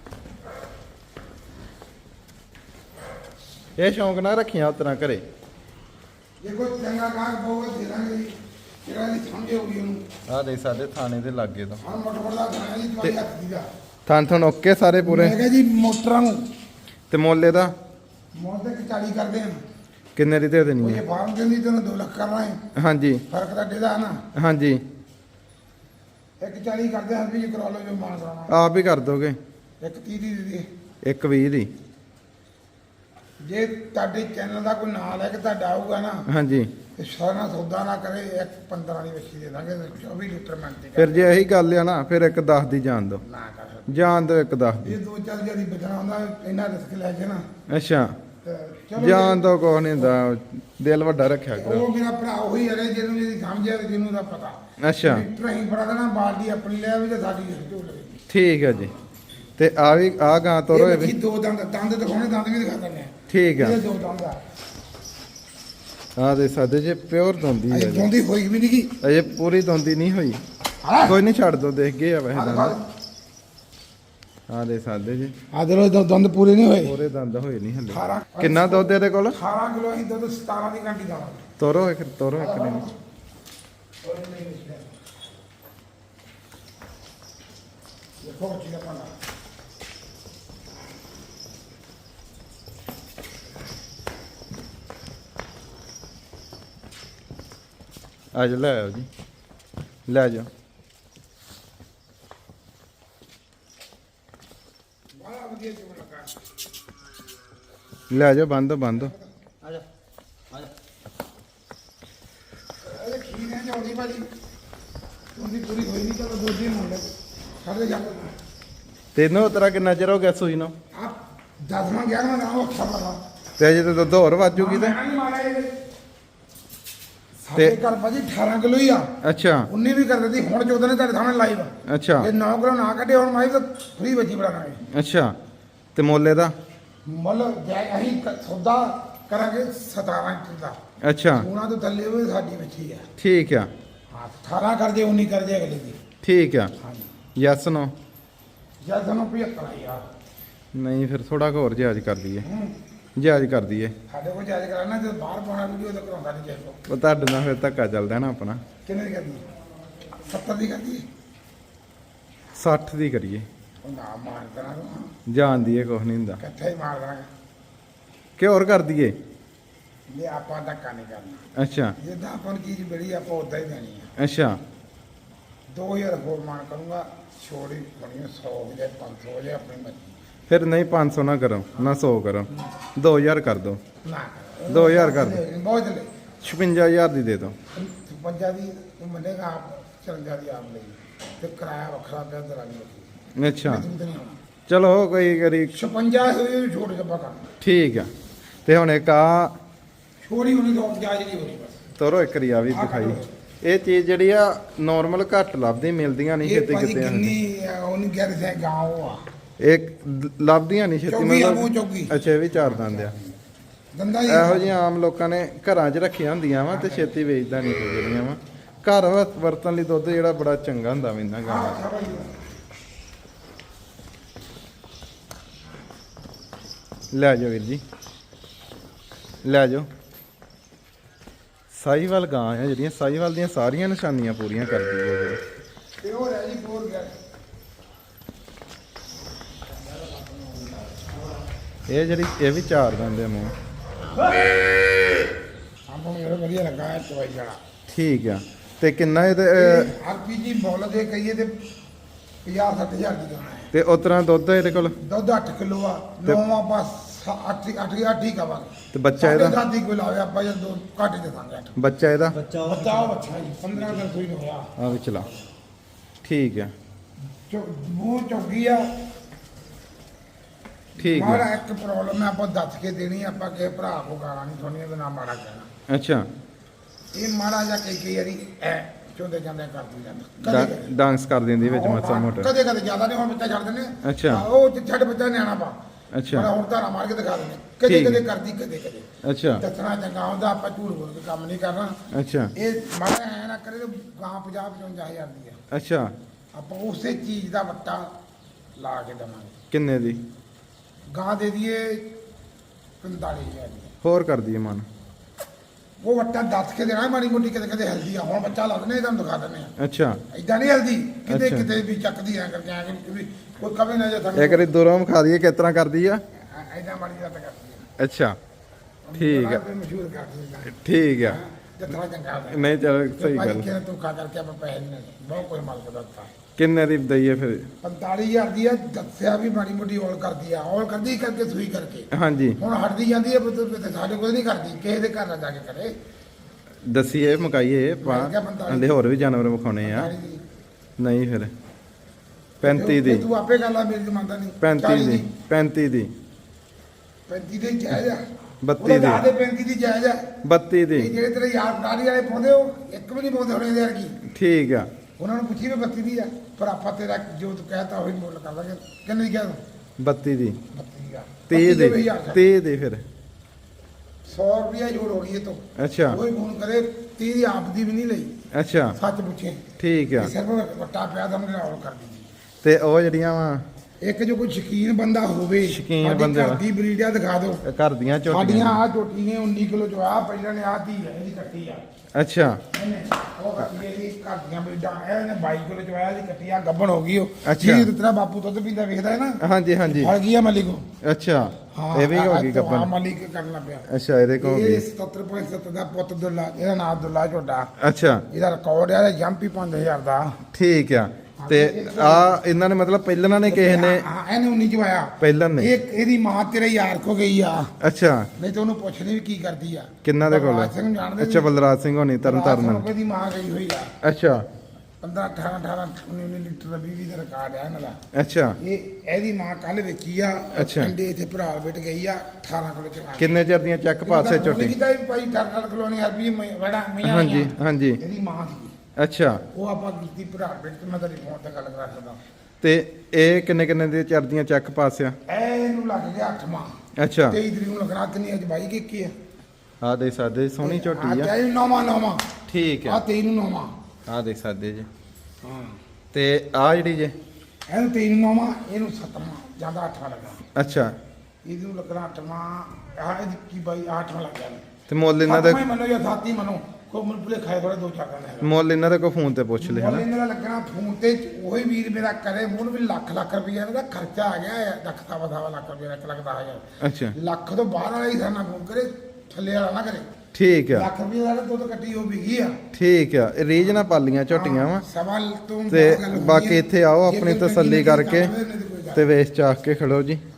A: ਇਹ ਸ਼ੌਂਕ ਨਾਲ ਰੱਖੀਆਂ ਉਤਰਾਂ ਘਰੇ।
B: ਦੇਖੋ ਚੰਗਾ ਕਾਗ ਬਹੁਤ ਦੇ ਦਾਂਗੇ ਜੀ, ਜਿਹੜਾ ਨਹੀਂ ਸਮਝੇ ਹੋਈ ਉਹਨੂੰ।
A: ਆ ਦੇਖ ਸਾਡੇ ਥਾਣੇ ਦੇ ਲਾਗੇ ਤੋਂ
B: ਹਾਂ ਮੋਟਰ ਦਾ ਗਾਣਾ ਜੀ ਤੁਹਾਡੇ ਹੱਥ ਦੀ ਦਾ।
A: ਥਣ ਥਣ ਓਕੇ ਸਾਰੇ ਪੂਰੇ।
B: ਮੈਂ ਕਿਹਾ ਜੀ ਮੋਟਰਾਂ ਨੂੰ
A: ਤੇ ਮੁੱਲ ਇਹਦਾ
B: ਮੋਟਰ ਤੇ ਚਾਲੀ ਕਰਦੇ ਆ।
A: ਕਿੰਨੇ ਦੀ ਦੇ
B: ਉਹ
A: ਦੇਣੀ
B: ਇਹ
A: ਹੈ?
B: ਫਾਰਮ ਕਹਿੰਦੀ ਤੈਨੂੰ ਦੋ ਲੱਖ ਕਰਨਾ ਹੈ,
A: ਹਾਂਜੀ
B: ਫਰਕ ਤਾਂ ਡੇਦਾ ਨਾ।
A: ਹਾਂਜੀ
B: ਇੱਕ ਚਾਲੀ ਕਰਦੇ ਹਾਂ ਵੀ ਜੀ, ਕਰਾ ਲਓ ਜੋ ਮਾਨ ਕਰਾਉਣਾ।
A: ਆਪ ਹੀ ਕਰ ਦੋਗੇ।
B: ਇੱਕ ਤੀਹ ਦੀ ਦੇ ਦੇ।
A: ਇੱਕ ਵੀਹ ਦੀ।
B: ਜੇ ਤੁਹਾਡੇ ਚੈਨਲ ਦਾ ਕੋਈ ਨਾਂ ਲੈ ਕੇ ਤੁਹਾਡਾ ਆਊਗਾ ਨਾ,
A: ਹਾਂਜੀ
B: ਤੇ ਸਾਰਾ ਸੌਦਾ ਨਾ ਕਰੇ, ਇੱਕ ਪੰਦਰਾਂ ਦੀ ਵੱਛੀ ਦੇ ਦਾਂਗੇ, ਚੌਵੀ ਲੀਟਰ ਮਿੰਟ
A: ਫਿਰ ਜੇ ਇਹੀ ਗੱਲ ਆ ਨਾ, ਫਿਰ ਇੱਕ ਦਸ ਦੀ ਜਾਣ ਦੋ।
B: ਨਾ ਕਰ।
A: ਜਾਣ ਦੋ ਇੱਕ ਦਸ ਦੀ।
B: ਇਹ ਦੋ ਚਾਰ ਜਿਹੜੀ ਬਚਣਾ ਹੁੰਦਾ, ਇੰਨਾ ਰਿਸਕ ਲੈ ਕੇ ਨਾ
A: ਅੱਛਾ
B: ਤੇ ਚਲੋ
A: ਜਾਨ ਤੋਂ ਕੁਛ ਨਹੀਂ ਹੁੰਦਾ, ਦਿਲ ਵੱਡਾ ਰੱਖਿਆ ਕਰੋ।
B: ਉਹ ਮੇਰਾ ਭਰਾ ਉਹੀ ਹੈਗਾ ਜਿਹਨੂੰ ਜਿਹਦੀ ਸਮਝ ਆ ਤੇ ਜਿਹਨੂੰ ਦਾ ਪਤਾ।
A: ਅੱਛਾ
B: ਟ੍ਰੇਨ ਫੜਾ ਦੇਣਾ, ਬਾਲਟੀ ਆਪਣੀ ਲੈ ਆਵੇ ਤੇ ਸਾਡੀ ਝੋਲ ਲਵੇ।
A: ਠੀਕ ਹੈ ਜੀ। ਤੇ ਆ ਵੀ ਆ ਗਾਂ ਤੋਰੋ ਇਹ
B: ਇਹ
A: ਵੀ
B: ਵੀ ਦੋ ਦੰਦ ਦੰਦ ਦਿਖਾਉਣੇ, ਦੰਦ ਵੀ ਦਿਖਾ ਦਿੰਦੇ ਆ।
A: ਠੀਕ ਆ।
B: ਇਹਦੇ ਦੋ ਦੰਦ ਆ।
A: ਆ ਦੇ ਸਾਡੇ ਜੇ ਪਿਓਰ ਦੋਂਦੀ ਹੈ
B: ਅਜੇ
A: ਜੀ।
B: ਦੋਂਦੀ ਹੋਈ ਵੀ ਨਹੀਂ ਗੀ।
A: ਅਜੇ ਪੂਰੀ ਦੋਂਦੀ ਨਹੀਂ ਹੋਈ।
B: ਹਾਂ
A: ਕੋਈ ਨਹੀਂ, ਛੱਡ ਦੋ, ਦੇਖ ਗਏ ਆ ਵੈਸੇ
B: ਆ
A: ਦੰਦ। ਆ ਦੇ ਸਾਡੇ ਜੀ
B: ਦੇ ਦੰਦ ਪੂਰੇ ਨਹੀਂ ਹੋਏ।
A: ਪੂਰੇ ਦੰਦ ਹੋਏ ਨਹੀਂ ਹਲੇ।
B: ਅਠਾਰਾਂ
A: ਕਿੰਨਾ ਦੁੱਧ ਇਹਦੇ ਕੋਲ?
B: ਅਠਾਰਾਂ ਕਿਲੋ ਅਸੀਂ ਦੁੱਧ ਸਤਾਰਾਂ ਦੀ ਘੰਟੀ ਦਾਵਾਂਗੇ।
A: ਤੋਰੋ ਇੱਕ, ਤੋਰੋ ਇੱਕ ਦਿਨ।
B: ਦੇਖੋ ਬੱਚੀ ਦਾ ਭਾਂਡਾ।
A: ਆ ਜਾ, ਲੈ ਆਓ ਜੀ, ਲੈ ਜਾਓ।
B: ਬੜਾ ਵਧੀਆ ਚੋਣ ਲੱਗਾ।
A: ਲੈ ਜਾਓ, ਬੰਦ ਬੰਦ।
D: ਆ ਜਾ ਆ ਜਾ
B: ਇਹਦੇ ਖੀਰ ਹੈ ਚੌੜੀ ਭਾਜੀ। ਉਹਦੀ ਪੂਰੀ ਹੋਈ ਨਹੀਂ, ਚਲੋ ਦੋ ਦਿਨ ਹੋਣ ਲੱਗੇ। ਸਾਡੇ ਜਾ
A: ਤੈਨੂੰ ਤੇਰਾ ਕਿੰਨਾ ਚਿਰ ਹੋ ਗਿਆ ਸੂਈ ਨੂੰ?
B: ਆ ਦਸਵਾਂ ਗਿਆਰਵਾਂ ਦਾ ਉਹ ਅੱਖਾਂ ਵਾਲਾ।
A: ਤੇ ਅਜੇ ਤਾਂ ਦੁੱਧ ਹੋਰ ਵਾਜੂਗੀ ਤੇ।
B: ਮੈਂ ਨਹੀਂ ਮਾਰਿਆ ਇਹਦੇ। ਸਾਡੇ ਘਰ ਭਾਜੀ ਅਠਾਰਾਂ ਕਿਲੋ ਹੀ ਆ।
A: ਅੱਛਾ
B: ਉਨੀ ਵੀ ਕਰ ਦਿੰਦੀ, ਹੁਣ ਚੌਦਾਂ ਨੇ ਤੁਹਾਡੇ ਸਾਹਮਣੇ ਲਾਈਵ।
A: ਅੱਛਾ
B: ਜੇ ਨੌ ਕਿਲੋ ਨਾ ਕੱਢੇ ਹੁਣ ਮਾਈ ਤਾਂ ਫਰੀ ਬੱਚੀ ਬਣਾਵਾਂਗੇ।
A: ਅੱਛਾ। ਤੇ ਮੋਲੇ ਦਾ?
B: ਮੁੱਲ ਜੈ ਅਸੀਂ ਕ- ਸੌਦਾ ਕਰਾਂਗੇ ਸਤਾਰਾਂ ਇੰਚ ਦਾ।
A: ਅੱਛਾ
B: ਉਹਨਾਂ ਤੋਂ ਥੱਲੇ ਵੀ ਸਾਡੀ ਬੱਚੀ ਆ।
A: ਠੀਕ ਆ,
B: ਹਾਂ ਅਠਾਰਾਂ ਕਰ ਜੇ ਉਨੀ ਕਰ ਜੇ ਅਗਲੇ ਦੀ।
A: ਠੀਕ ਆ।
B: ਹਾਂਜੀ
A: ਯੈਸ ਨੋ?
B: ਜਾਂ ਤੁਹਾਨੂੰ ਪਝੱਤਰ ਆਈ ਆ।
A: ਨਹੀਂ ਫਿਰ ਥੋੜਾ ਕੁ ਹੋਰ ਜਾਇਜ਼ ਕਰ ਦਈਏ।
B: ਹੂੰ।
A: ਜਾਇਜ਼ ਕਰ ਦਈਏ।
B: ਸਾਡੇ ਕੋਲ ਜਾਇਜ਼ ਕਰਾਣਾ ਤੇ ਬਾਹਰ ਪਾਉਣਾ ਵੀਡੀਓ ਤਾਂ ਕਰਾਉਂਦਾ ਨਹੀਂ ਚਾਹੀਦਾ।
A: ਉਹ ਤੁਹਾਡੇ ਨਾਲ ਫਿਰ ਧੱਕਾ ਚੱਲਦਾ ਨਾ ਆਪਣਾ।
B: ਕਿੰਨੇ ਦੀ ਕਰਦੀ? ਸੱਤਰ ਦੀ ਕਰਦੀ?
A: ਸੱਠ ਦੀ ਕਰੀਏ।
B: ਉਹ ਨਾ ਮਾਰ ਦੇਣਾ
A: ਜਾਣ ਦੀਏ ਕੁਛ ਨਹੀਂ ਹੁੰਦਾ।
B: ਇਕੱਠਾ ਹੀ ਮਾਰ ਦੇਣਾ।
A: ਕਿ ਹੋਰ ਕਰ ਦਈਏ?
B: ਜੇ ਆਪਾਂ ਧੱਕਾ ਨਹੀਂ ਕਰਨਾ।
A: ਅੱਛਾ
B: ਜਿੱਦਾਂ ਆਪਾਂ ਨੂੰ ਚੀਜ਼ ਬੜੀ ਆਪਾਂ ਉਦਾਂ ਹੀ ਦੇਣੀ ਆ।
A: ਅੱਛਾ
B: ਦੋ ਹਜ਼ਾਰ ਹੋਰ ਮਾਨ ਕਰੂੰਗਾ। ਛੋੜੀ ਬਣੀ ਸੌ ਜਾਂ ਪੰਜ ਸੌ ਜਾਂ ਆਪਣੀ ਮਰਜ਼ੀ।
A: ਫਿਰ ਨਹੀਂ ਪੰਜ ਸੌ ਨਾ ਕਰੋ, ਨਾ ਸੌ ਕਰੋ, ਦੋ ਹਜ਼ਾਰ ਕਰ ਦੋ।
B: ਨਾ
A: ਦੋ ਹਜ਼ਾਰ ਕਰ ਦਿਓ।
B: ਬਹੁਤ ਲੈ
A: ਛਪੰਜਾ ਹਜ਼ਾਰ ਦੀ ਦੇ ਦਿਓ।
B: ਪੰਜਾ ਦੀ ਤੂੰ ਮੰਨੇਗਾ ਆਪ ਚਰੰਜਾ ਦੀ ਆਪ ਲਈ ਤੇ ਕਿਰਾਇਆ ਵੱਖਰਾ ਪਿਆ ਤੇਰਾ ਨਹੀਂ।
A: ਅੱਛਾ
B: ਤੂੰ ਤੇ ਨਹੀਂ ਆਉਣਾ।
A: ਚਲੋ ਕੋਈ ਕਰੀ।
B: ਛਪੰਜਾ ਹੋਈ ਛੋੜ ਜੱਬਾ ਕਰ।
A: ਠੀਕ ਆ। ਤੇ ਹੁਣ ਇੱਕ ਆ
B: ਛੋੜੀ ਹੋਣੀ ਤਾਂ ਜਾਇਜ਼ ਨਹੀਂ ਹੋਣੀ ਬਸ।
A: ਤੋਰੋ ਇੱਕ ਰਿਆ ਵੀ ਦਿਖਾਈ। ਇਹ ਚੀਜ਼ ਜਿਹੜੀ ਆ ਨਾਰਮਲ ਘੱਟ ਲੱਭਦੀ, ਮਿਲਦੀਆਂ ਨਹੀਂ
B: ਇਹ
A: ਛੇਤੀ
B: ਭਾਜੀ
A: ਕਿਤੇ।
B: ਕਿੰਨੀ ਉਹਨੂੰ ਕਹਿ ਰਿਹਾ ਗਾਉਂ ਆ।
A: ਇਹ ਲੱਭਦੀਆਂ ਨਹੀਂ ਛੇਤੀ
B: ਚੌਗੀ ਆ, ਮੂੰਹ ਚੌਗੀ।
A: ਅੱਛਾ ਇਹ ਵੀ ਚਾਰ ਦੰਦ ਆ।
B: ਦੰਦਾ ਹੀ
A: ਇਹੋ ਜਿਹੀਆਂ ਆਮ ਲੋਕਾਂ ਨੇ ਘਰਾਂ 'ਚ ਰੱਖੀਆਂ ਹੁੰਦੀਆਂ ਵਾ ਤੇ ਛੇਤੀ ਵੇਚਦਾ ਨਹੀਂ ਕੋਈ ਜਿਹੜੀਆਂ ਵਾ। ਘਰ ਵ- ਵਰਤਣ ਲਈ ਦੁੱਧ ਜਿਹੜਾ ਬੜਾ ਚੰਗਾ ਹੁੰਦਾ ਵਾ ਇਹਨਾਂ ਗਾਵਾਂ ਦਾ। ਲੈ ਜਾਓ ਵੀਰ ਜੀ, ਲੈ ਜਾਓ। ਸਾਹੀਵਾਲ ਗਾਂ ਆ ਜਿਹੜੀਆਂ, ਸਾਹੀਵਾਲ ਦੀਆਂ ਸਾਰੀਆਂ ਨਿਸ਼ਾਨੀਆਂ ਪੂਰੀਆਂ ਕਰਦੀ ਹੈ ਜਿਹੜੀ।
B: ਤੇ ਹੋਰ ਹੈ ਜੀ ਹੋਰ ਗਿਆ।
A: ਇਹ ਜਿਹੜੀ ਇਹ ਵੀ ਚਾਰ ਦੰਦ ਆ ਮੂੰਹ।
B: ਆਪਾਂ ਨੂੰ ਜਿਹੜਾ ਵਧੀਆ ਲੱਗਾ ਹੈ ਚਵਾਈ ਵਾਲਾ।
A: ਠੀਕ ਆ। ਤੇ ਕਿੰਨਾ ਇਹਦੇ ਅਹ,
B: ਆਰਪੀਜੀ ਮੁੱਲ ਦੇ ਕਹੀਏ ਤੇ ਪੰਜਾਹ ਸੱਠ ਹਜ਼ਾਰ ਦੀ ਦੋਣਾ ਹੈ।
A: ਤੇ ਉਸ ਤਰ੍ਹਾਂ ਦੁੱਧ ਇਹਦੇ ਕੋਲ?
B: ਦੁੱਧ ਅੱਠ ਕਿਲੋ ਆ।
A: ਤੇ-
B: ਨੌਂ ਆਪਾਂ ਅੱਠ ਅੱਠ ਅੱਠ ਹੀ ਕਵਾਂਗੇ।
A: ਤੇ ਬੱਚਾ ਇਹਦਾ?
B: ਦਾਦੀ ਕੋਈ ਲਾਵੇ ਆਪਾਂ ਜਾਂ ਦੋ ਘੱਟ ਦੇ ਦਾਂਗੇ ਅੱਠ।
A: ਬੱਚਾ ਇਹਦਾ?
D: ਬੱਚਾ ਉਹ
B: ਬੱਚਾ ਉਹ ਬੱਚਾ ਜੀ ਪੰਦਰਾਂ ਦਿਨ ਸੂਈ ਨੂੰ ਹੋਇਆ।
A: ਆ ਵਿਚਲਾ। ਠੀਕ ਆ,
B: ਚੋ ਮੂੰਹ ਚੌਗੀ ਆ।
A: ਠੀਕ ਆ।
B: ਮਾੜਾ ਇੱਕ ਪ੍ਰੋਬਲਮ ਹੈ, ਆਪਾਂ ਦੱਸ ਕੇ ਦੇਣੀ ਆ, ਆਪਾਂ ਕਿਸੇ ਭਰਾ ਕੋ ਗਾਲਾਂ ਨਹੀਂ ਸੁਣਨੀਆਂ ਤੇ ਨਾ ਮਾੜਾ ਕਹਿਣਾ।
A: ਅੱਛਾ
B: ਇਹ ਮਾੜਾ ਜਾਂ ਕਈ ਕਈ ਵਾਰੀ ਐ ਚੋਂਦੇ ਜਾਂਦੇ ਕਰਦੀ ਜਾਂਦਾ। ਕਦੇ
A: ਡਾ- ਡਾਂਸ ਕਰ ਦਿੰਦੀ ਵਿੱਚ ਮੱਛਾ ਮੋਟਾ।
B: ਕਦੇ ਕਦੇ ਜ਼ਿਆਦਾ ਨਹੀਂ, ਹੁਣ ਬੱਚਾ ਛੱਡ ਦਿੰਦੇ ਆ।
A: ਅੱਛਾ।
B: ਹਾਂ, ਉਹ ਚ- ਛੱਡ ਬੱਚਾ ਨਿਆਣਾ ਪਾ।
A: ਅੱਛਾ।
B: ਬੜਾ ਹੁਣ ਧਾਰਾ ਮਾਰ ਕੇ ਦਿਖਾ ਦਿੰਦੇ। ਕਦੇ
A: ਠੀਕ।
B: ਕਦੇ ਕਰਦੀ ਕਦੇ ਕਦੇ।
A: ਅੱਛਾ
B: ਦੱਸਣਾ ਚੰਗਾ ਹੁੰਦਾ, ਆਪਾਂ ਝੂਠ ਬੋਲ ਕੇ ਕੰਮ ਨਹੀਂ ਕਰਨਾ।
A: ਅੱਛਾ
B: ਇਹ ਮਾੜਾ ਐ ਨਾ ਕਰੇ ਤੇ ਗਾਂ ਪੰਜਾਹ ਪਚਵੰਜਾ ਹਜ਼ਾਰ ਦੀ ਆ।
A: ਅੱਛਾ।
B: ਆਪਾਂ ਉਸੇ ਚੀਜ਼ ਦਾ ਵੱਟਾ ਲਾ ਕੇ ਦੇਵਾਂਗੇ।
A: ਕਿੰਨੇ ਦੀ?
B: ਗਾਂ ਦੇ ਦਈਏ ਪੰਤਾਲੀ ਹਜ਼ਾਰ ਦੀ।
A: ਹੋਰ ਕਰ ਦਈਏ ਮਨ?
B: ਉਹ ਵੱਟਾ ਦੱਸ ਕੇ ਦੇਣਾ, ਮਾੜੀ ਮੋਟੀ ਕਦੇ ਕਦੇ ਹਲਦੀ ਆ। ਹੁਣ ਬੱਚਾ ਲੱਗਣੇ ਤੁਹਾਨੂੰ ਦਿਖਾ ਦਿੰਦੇ ਆ।
A: ਅੱਛਾ
B: ਇਦਾਂ ਨਹੀਂ ਹਲਦੀ ਕਿਤੇ
A: ਅੱਛਾ।
B: ਕਿਤੇ ਵੀ ਚੱਕਦੀ ਆ ਕਰਕੇ ਆ ਕੇ ਵੀ ਕੋਈ ਕਵੇ ਨਾ ਜੇ
A: ਇੱਕ ਵਾਰੀ ਦੂਰੋਂ ਵਿਖਾ ਦਈਏ ਕਿਸ ਤਰ੍ਹਾਂ ਕਰਦੀ ਆ।
B: ਐਦਾਂ ਮਾੜੀ ਜੱਟ ਕਰਦੀ ਆ।
A: ਅੱਛਾ ਠੀਕ ਆ।
B: ਬੜਾ ਮਸ਼ਹੂਰ ਕਰਦੀ ਆ।
A: ਠੀਕ ਆ।
B: ਜਿੱਥਾ ਚੰਗਾ ਹੁੰਦਾ।
A: ਨਹੀਂ ਚਲੋ ਸਹੀ
B: ਭਾਈ
A: ਗੱਲ।
B: ਕਿਹਨੇ ਤੂੰ ਖਾ ਕਰਕੇ ਆਪਾਂ ਪੈਸੇ ਨਹੀਂ ਲੈਣੇ। ਬਹੁਤ ਕੋਈ ਮਾਲਕ ਦਾ ਦਿੱਤਾ।
A: ਕਿੰਨੇ ਦੀ ਦਈਏ ਫਿਰ?
B: ਪੰਤਾਲੀ ਹਜ਼ਾਰ ਦੀ ਆ। ਦੱਸਿਆ ਵੀ ਮਾੜੀ ਮੋਟੀ ਔਲ ਕਰਦੀ ਆ। ਔਲ ਕਰਦੀ ਕਰਕੇ ਸੂਈ ਕਰਕੇ
A: ਹਾਂਜੀ
B: ਹੁਣ ਹਟਦੀ ਜਾਂਦੀ ਹੈ, ਤੇ ਸਾਡੇ ਕੋਲ ਨਹੀਂ ਕਰਦੀ। ਕਿਸੇ ਦੇ ਘਰ ਨਾ ਜਾ ਕੇ ਕਰੇ।
A: ਦਸੀਏ ਮੁਕਾਈਏ ਆਪਾਂ।
B: ਮੈਂ ਕਿਹਾ ਪੰਤਾਲੀ।
A: ਹਲੇ ਹੋਰ ਵੀ ਜਾਨਵਰ ਵਿਖਾਉਣੇ ਆ।
B: ਪੰਤਾਲੀ ਦੀ।
A: ਨਹੀਂ ਫਿਰ ਪੈਂਤੀ ਦੀ।
B: ਤੂੰ ਆਪੇ ਕਰ ਲਾ, ਮੇਰੀ ਜ਼ਮਾਨਤ ਨਹੀਂ।
A: ਪੈਂਤੀ
B: ਚਾਲੀ
A: ਦੀ। ਪੈਂਤੀ ਦੀ।
B: ਪੈਂਤੀ ਦੇ ਜਾਇਜ਼ ਆ
A: ਬੱਤੀ
B: ਉਹਦਾ
A: ਦੇ।
B: ਲਾ ਦੇ ਪੈਂਤੀ ਦੀ ਜਾਇਜ਼ ਆ
A: ਬੱਤੀ
B: ਇਹ
A: ਦੀ
B: ਜਿਹੜੇ ਤੇਰੇ ਯਾਰ ਪਟਾਰੀ ਵਾਲੇ ਪਾਉਂਦੇ ਉਹ ਇੱਕ ਵੀ ਨਹੀਂ ਪਾਉਂਦੇ ਹੋਣੇ ਯਾਰ ਕੀ
A: ਠੀਕ ਆ
B: ਉਹਨਾਂ ਨੂੰ ਪੁੱਛੀ ਵੀ ਬੱਤੀ ਦੀ ਆ ਪਰ ਆਪਾਂ ਤੇਰਾ ਜੋ ਤੂੰ ਕਹਿਤਾ ਉਹੀ ਮੁੱਲ ਕਰ ਲਾਂਗੇ ਕਿੰਨੇ ਦੀ ਕਹਿ ਤੂੰ
A: ਬੱਤੀ ਦੀ
B: ਬੱਤੀ ਦੀ ਆ
A: ਤੀਹ ਦੇ ਤੀਹ ਦੇ ਫਿਰ
B: ਸੌ ਰੁਪਇਆ ਜੋੜ ਹੋ ਗਈ ਇਹ ਤੋਂ
A: ਅੱਛਾ
B: ਕੋਈ ਫੋਨ ਕਰੇ ਤੀਹ ਦੀ ਆਪ ਦੀ ਵੀ ਨਹੀਂ ਲਈ
A: ਅੱਛਾ
B: ਸੱਚ ਪੁੱਛੇ
A: ਠੀਕ ਆ
B: ਇਹ ਸਿਰਫ ਵੱਟਾ ਪਿਆ ਤਾਂ ਮੈਨੂੰ ਆਉਲ ਕਰ ਦਿੱਤੀ
A: ਤੇ ਉਹ ਜਿਹੜੀਆਂ ਵਾ
B: ਇੱਕ ਜੋ ਕੋਈ ਸ਼ਕੀਨ ਬੰਦਾ ਹੋਵੇ
A: ਸ਼ੌਕੀਨ
B: ਸਾਡੀ
A: ਬੰਦੇ
B: ਘਰ
A: ਵਾ।
B: ਦੀ ਬਰੀਡ ਆ ਦਿਖਾ ਦਿਓ
A: ਘਰ ਦੀਆਂ
B: ਸਾਡੀਆਂ
A: ਝੋਟੀਆਂ
B: ਆ ਝੋਟੀ ਨੇ ਉੱਨੀ ਕਿਲੋ ਜੋ ਆ ਪਹਿਲਾਂ ਨੇ ਆ ਦੀ ਹੈ ਇਹਦੀ ਕੱਟੀ ਆ
A: ਅੱਛਾ
B: ਇਹਨੇ ਉਹ ਕੱਟੀ ਇਹਦੀ ਘਰ ਦੀਆਂ ਬਰੀਡਾਂ ਇਹਨੇ ਬਾਈ ਕਿਲੋ ਜੋ ਆ ਇਹਦੀ ਕੱਟੀ ਆ ਗੱਬਣ ਹੋ ਗਈ ਉਹ
A: ਅੱਛਾ।
B: ਜੀ ਤੇਰਾ ਬਾਪੂ ਦੁੱਧ ਪੀਂਦਾ ਵੇਖਦਾ ਹੈ ਨਾ
A: ਹਾਂਜੀ ਹਾਂਜੀ
B: ਫੜ ਗਈ ਆ ਮਲਿਕੋ
A: ਅੱਛਾ ਇਹ ਵੀ ਹੋ ਗਈ
B: ਹਾਂ
A: ਗੱਬਨ
B: ਮਲਿਕ ਕਰਨ ਪਿਆ
A: ਅੱਛਾ ਇਹਦੇ ਕੋਲ
B: ਇਹ
A: ਗਈ
B: ਸਤੱਤਰ ਪੁਆਇੰਟ ਸੱਤ ਦਾ ਪੁੱਤ ਦੁੱਲਾ ਇਹਦਾ ਨਾਮ ਦੁੱਲਾ ਝੋਟਾ
A: ਅੱਛਾ
B: ਇਹਦਾ ਰਿਕਾਰਡ ਹੈ ਜੰਪੀ ਪੰਜ ਹਜ਼ਾਰ ਦਾ
A: ਠੀਕ ਆ ਤੇ ਆ ਇਹਨਾਂ ਨੇ ਮਤਲਬ ਪਹਿਲਾਂ ਨੇ ਕਿਸੇ ਨੇ
B: ਹਾਂ ਇਹਨੇ ਉੱਨੀ ਚ ਆਇਆ
A: ਪਹਿਲਾਂ ਨੇ
B: ਇੱਕ ਇਹਦੀ ਮਾਂ ਤੇਰੇ ਯਾਰ ਕੋ ਗਈ ਆ
A: ਅੱਛਾ
B: ਨਹੀਂ ਤੇ ਉਹਨੂੰ ਪੁੱਛਣੀ ਵੀ ਕੀ ਕਰਦੀ ਆ
A: ਕਿੰਨਾ ਦੇ ਕੋਲ
B: ਬਲਰਾਜ ਸਿੰਘ ਨੂੰ ਜਾਣਦੇ
A: ਅੱਛਾ ਬਲਰਾਜ ਸਿੰਘ ਹੋਣੀ ਤਰਨ ਤਾਰਨ
B: ਦੀ ਮਾਂ ਗਈ ਹੋਈ ਆ
A: ਅੱਛਾ
B: ਪੰਦਰਾਂ ਅਠਾਰਾਂ ਅਠਾਰਾਂ ਉੱਨੀ ਉੱਨੀ ਲੀਟਰ ਦਾ ਵੀਹ ਵੀਹ ਦਾ ਰਿਕਾਰਡ ਆ ਇਹਨਾਂ ਦਾ
A: ਅੱਛਾ
B: ਇਹ ਇਹਦੀ ਮਾਂ ਕੱਲ ਵੇਚੀ ਆ
A: ਅੱਛਾ।
B: ਅੰਡੇ ਇੱਥੇ ਭਰਾਲ ਬੇਟ ਗਈ ਆ ਅਠਾਰਾਂ ਕਿਲੋ ਚ
A: ਕਿੰਨੇ ਚਿਰ ਦੀਆਂ ਚੈੱਕ ਪਾਸੇ ਝੋਟੀ
B: ਕੀਤਾ ਵੀ ਭਾਈ ਅਠਾਰਾਂ ਕਿਲੋ ਨਹੀਂ ਅਰਬੀ ਵੜਾ ਮੀਆਂ
A: ਹਾਂਜੀ
B: ਆਈਆਂ।
A: ਹਾਂਜੀ
B: ਇਹਦੀ ਮਾਂ ਸੀ
A: ਅੱਛਾ
B: ਉਹ ਆਪਾਂ ਕੀਤੀ ਭਰਾਲ ਬੇਟ ਤੇ ਮੈਂ ਤੇਰੀ ਫੋਨ ਤੇ ਗੱਲ ਕਰਾ ਸਕਦਾ
A: ਤੇ ਇਹ ਕਿੰਨੇ ਕਿੰਨੇ ਦੇ ਚਿਰ ਦੀਆਂ ਚੈੱਕ ਪਾਸਿਆ
B: ਇਹਨੂੰ ਲੱਗ ਗਿਆ ਅੱਠ ਮਾਹ
A: ਅੱਛਾ
B: ਤੇਈ ਤਰੀਕ ਨੂੰ ਲੱਗਣਾ ਕਿੰਨੀ ਅੱਜ ਬਾਈ ਕਿ ਕੀ ਆ
A: ਆ ਦੇ ਸਾਦੇ ਸੋਹਣੀ ਝੋਟੀ ਆ
B: ਆ ਨੌਵਾਂ ਨੌਵਾਂ
A: ਠੀਕ
B: ਆ
A: ਆ
B: ਤੇਈ ਨੂੰ ਨੌਵਾਂ
A: ਆ ਦੇ ਸਾਦੇ ਜੀ
B: ਹਾਂ
A: ਤੇ ਆ ਜਿਹੜੀ ਜੇ
B: ਇਹਨੂੰ ਤੇਈ ਨੂੰ ਨੌਵਾਂ ਇਹਨੂੰ ਸੱਤਵਾਂ ਜਾਂਦਾ ਅੱਠਵਾਂ ਲੱਗਾ
A: ਅੱਛਾ
B: ਇਹਨੂੰ ਲੱਗਣਾ ਅੱਠਵਾਂ ਆਹ ਇਹਦੀ ਕੀ ਬਾਈ ਅੱਠਵਾਂ ਲੱਗ ਗਿਆ
A: ਤੇ ਮੁੱਲ ਇਹਨਾਂ ਦਾ
B: ਸੱਤਵਾਂ ਹੀ ਮੰਨੋ ਜਾਂ ਸਾਤੀ ਮੰਨੋ ਕੋ ਮਨ ਭੁਲੇ ਖਾਏ ਥੋੜਾ ਦੋ ਚਾਰ ਕਰਨਾ ਹੈਗਾ
A: ਮੁੱਲ ਇਹਨਾਂ ਦਾ ਕੋਈ ਫੋਨ ਤੇ ਪੁੱਛ ਲੈ
B: ਮੁੱਲ
A: ਹਨਾ
B: ਇਹਨਾਂ ਦਾ ਲੱਗਣਾ ਫੋਨ ਤੇ ਉਹੀ ਵੀਰ ਮੇਰਾ ਕਰੇ ਮੂੰਹ ਵੀ ਲੱਖ ਲੱਖ ਰੁਪਈਆ ਇਹਦਾ ਖਰਚਾ ਆ ਗਿਆ ਹੈ, ਲੱਖ ਸਵਾ ਸਵਾ ਲੱਖ ਰੁਪਈਆ ਇੱਕ ਲੱਖ ਦਸ ਹਜ਼ਾਰ
A: ਅੱਛਾ
B: ਲੱਖ ਤੋਂ ਬਾਹਰ ਵਾਲਾ ਹੀ ਸਾਨਾ ਫੋਨ ਕਰੇ ਥੱਲੇ ਵਾਲਾ ਨਾ ਕਰੇ
A: ਠੀਕ ਆ
B: ਲੱਖ ਰੁਪਈਆ ਦਾ ਦੁੱਧ ਕੱਟੀ ਉਹ ਵਿਕੀ ਆ
A: ਠੀਕ ਆ ਇਹ ਰੀਝ ਨਾਲ ਪਾਲੀਆਂ ਝੋਟੀਆਂ ਵਾ
B: ਸਵਾਲ ਤੋਂ
A: ਤੇ
B: ਬਾਅਦ ਗੱਲ ਹੋਈ
A: ਬਾਕੀ
B: ਹੈ।
A: ਇੱਥੇ ਆਓ
B: ਜੇ
A: ਆਪਣੀ
B: ਕੋਈ
A: ਤਸੱਲੀ
B: ਕੱਟੀ
A: ਕਰਕੇ
B: ਨਹੀਂ ਤੇ ਕੋਈ ਗੱਲ
A: ਤੇ ਵੇਚ ਚਾਕ ਕੇ ਖੜੋ ਜੀ